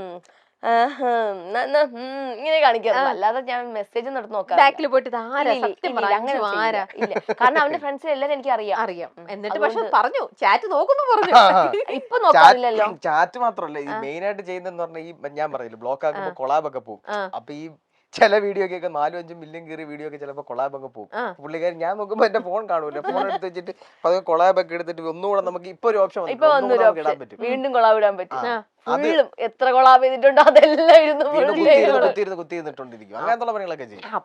S2: ഇങ്ങനെ കാണിക്കാറില്ല. അല്ലാതെ ഞാൻ മെസ്സേജ് നടത്തി നോക്കാം
S1: ബാക്കിൽ പോയിട്ട്
S2: അങ്ങനെ ഇല്ല, കാരണം അവന്റെ ഫ്രണ്ട്സിന് എല്ലാരും എനിക്ക് അറിയാം
S1: അറിയാം എന്നിട്ട് പക്ഷെ പറഞ്ഞു ചാറ്റ് നോക്കുന്നു പറഞ്ഞു.
S2: ഇപ്പൊ നോക്കാറില്ലല്ലോ.
S3: ചാറ്റ് മാത്രമല്ല ഈ മെയിൻ ആയിട്ട് ചെയ്യുന്നതെന്ന് പറഞ്ഞാൽ ഈ ഞാൻ പറഞ്ഞില്ല ബ്ലോക്ക് ആക്കുമ്പോ കൊളാബ് ഒക്കെ പോകും. അപ്പൊ ഈ ചില വീഡിയോ ഒക്കെ നാലും അഞ്ചും മില്യൺ കയറിയ വീഡിയോ ഒക്കെ ചിലപ്പോൾ കൊളാബ് ഒക്കെ പോകും. പുള്ളിക്കാരൻ ഞാൻ നോക്കുമ്പോ എന്റെ ഫോൺ കാണൂല, ഫോൺ എടുത്ത് വെച്ചിട്ട് അത് കൊളാബ് ഒക്കെ എടുത്തിട്ട് ഒന്നുകൂടെ നമുക്ക് ഇപ്പൊ ഒരു ഓപ്ഷൻ ഇടാൻ പറ്റും,
S2: വീണ്ടും കൊളാബ് ഇടാൻ പറ്റും. എത്ര കൊളാബ് ചെയ്തിട്ടുണ്ടോ അതെല്ലാം ഇരുന്ന്
S3: കുത്തിയിരുന്ന് കുത്തിയിരുന്നിട്ടോണ്ടിരിക്കും, അങ്ങനത്തെ പണികളൊക്കെ ചെയ്യും.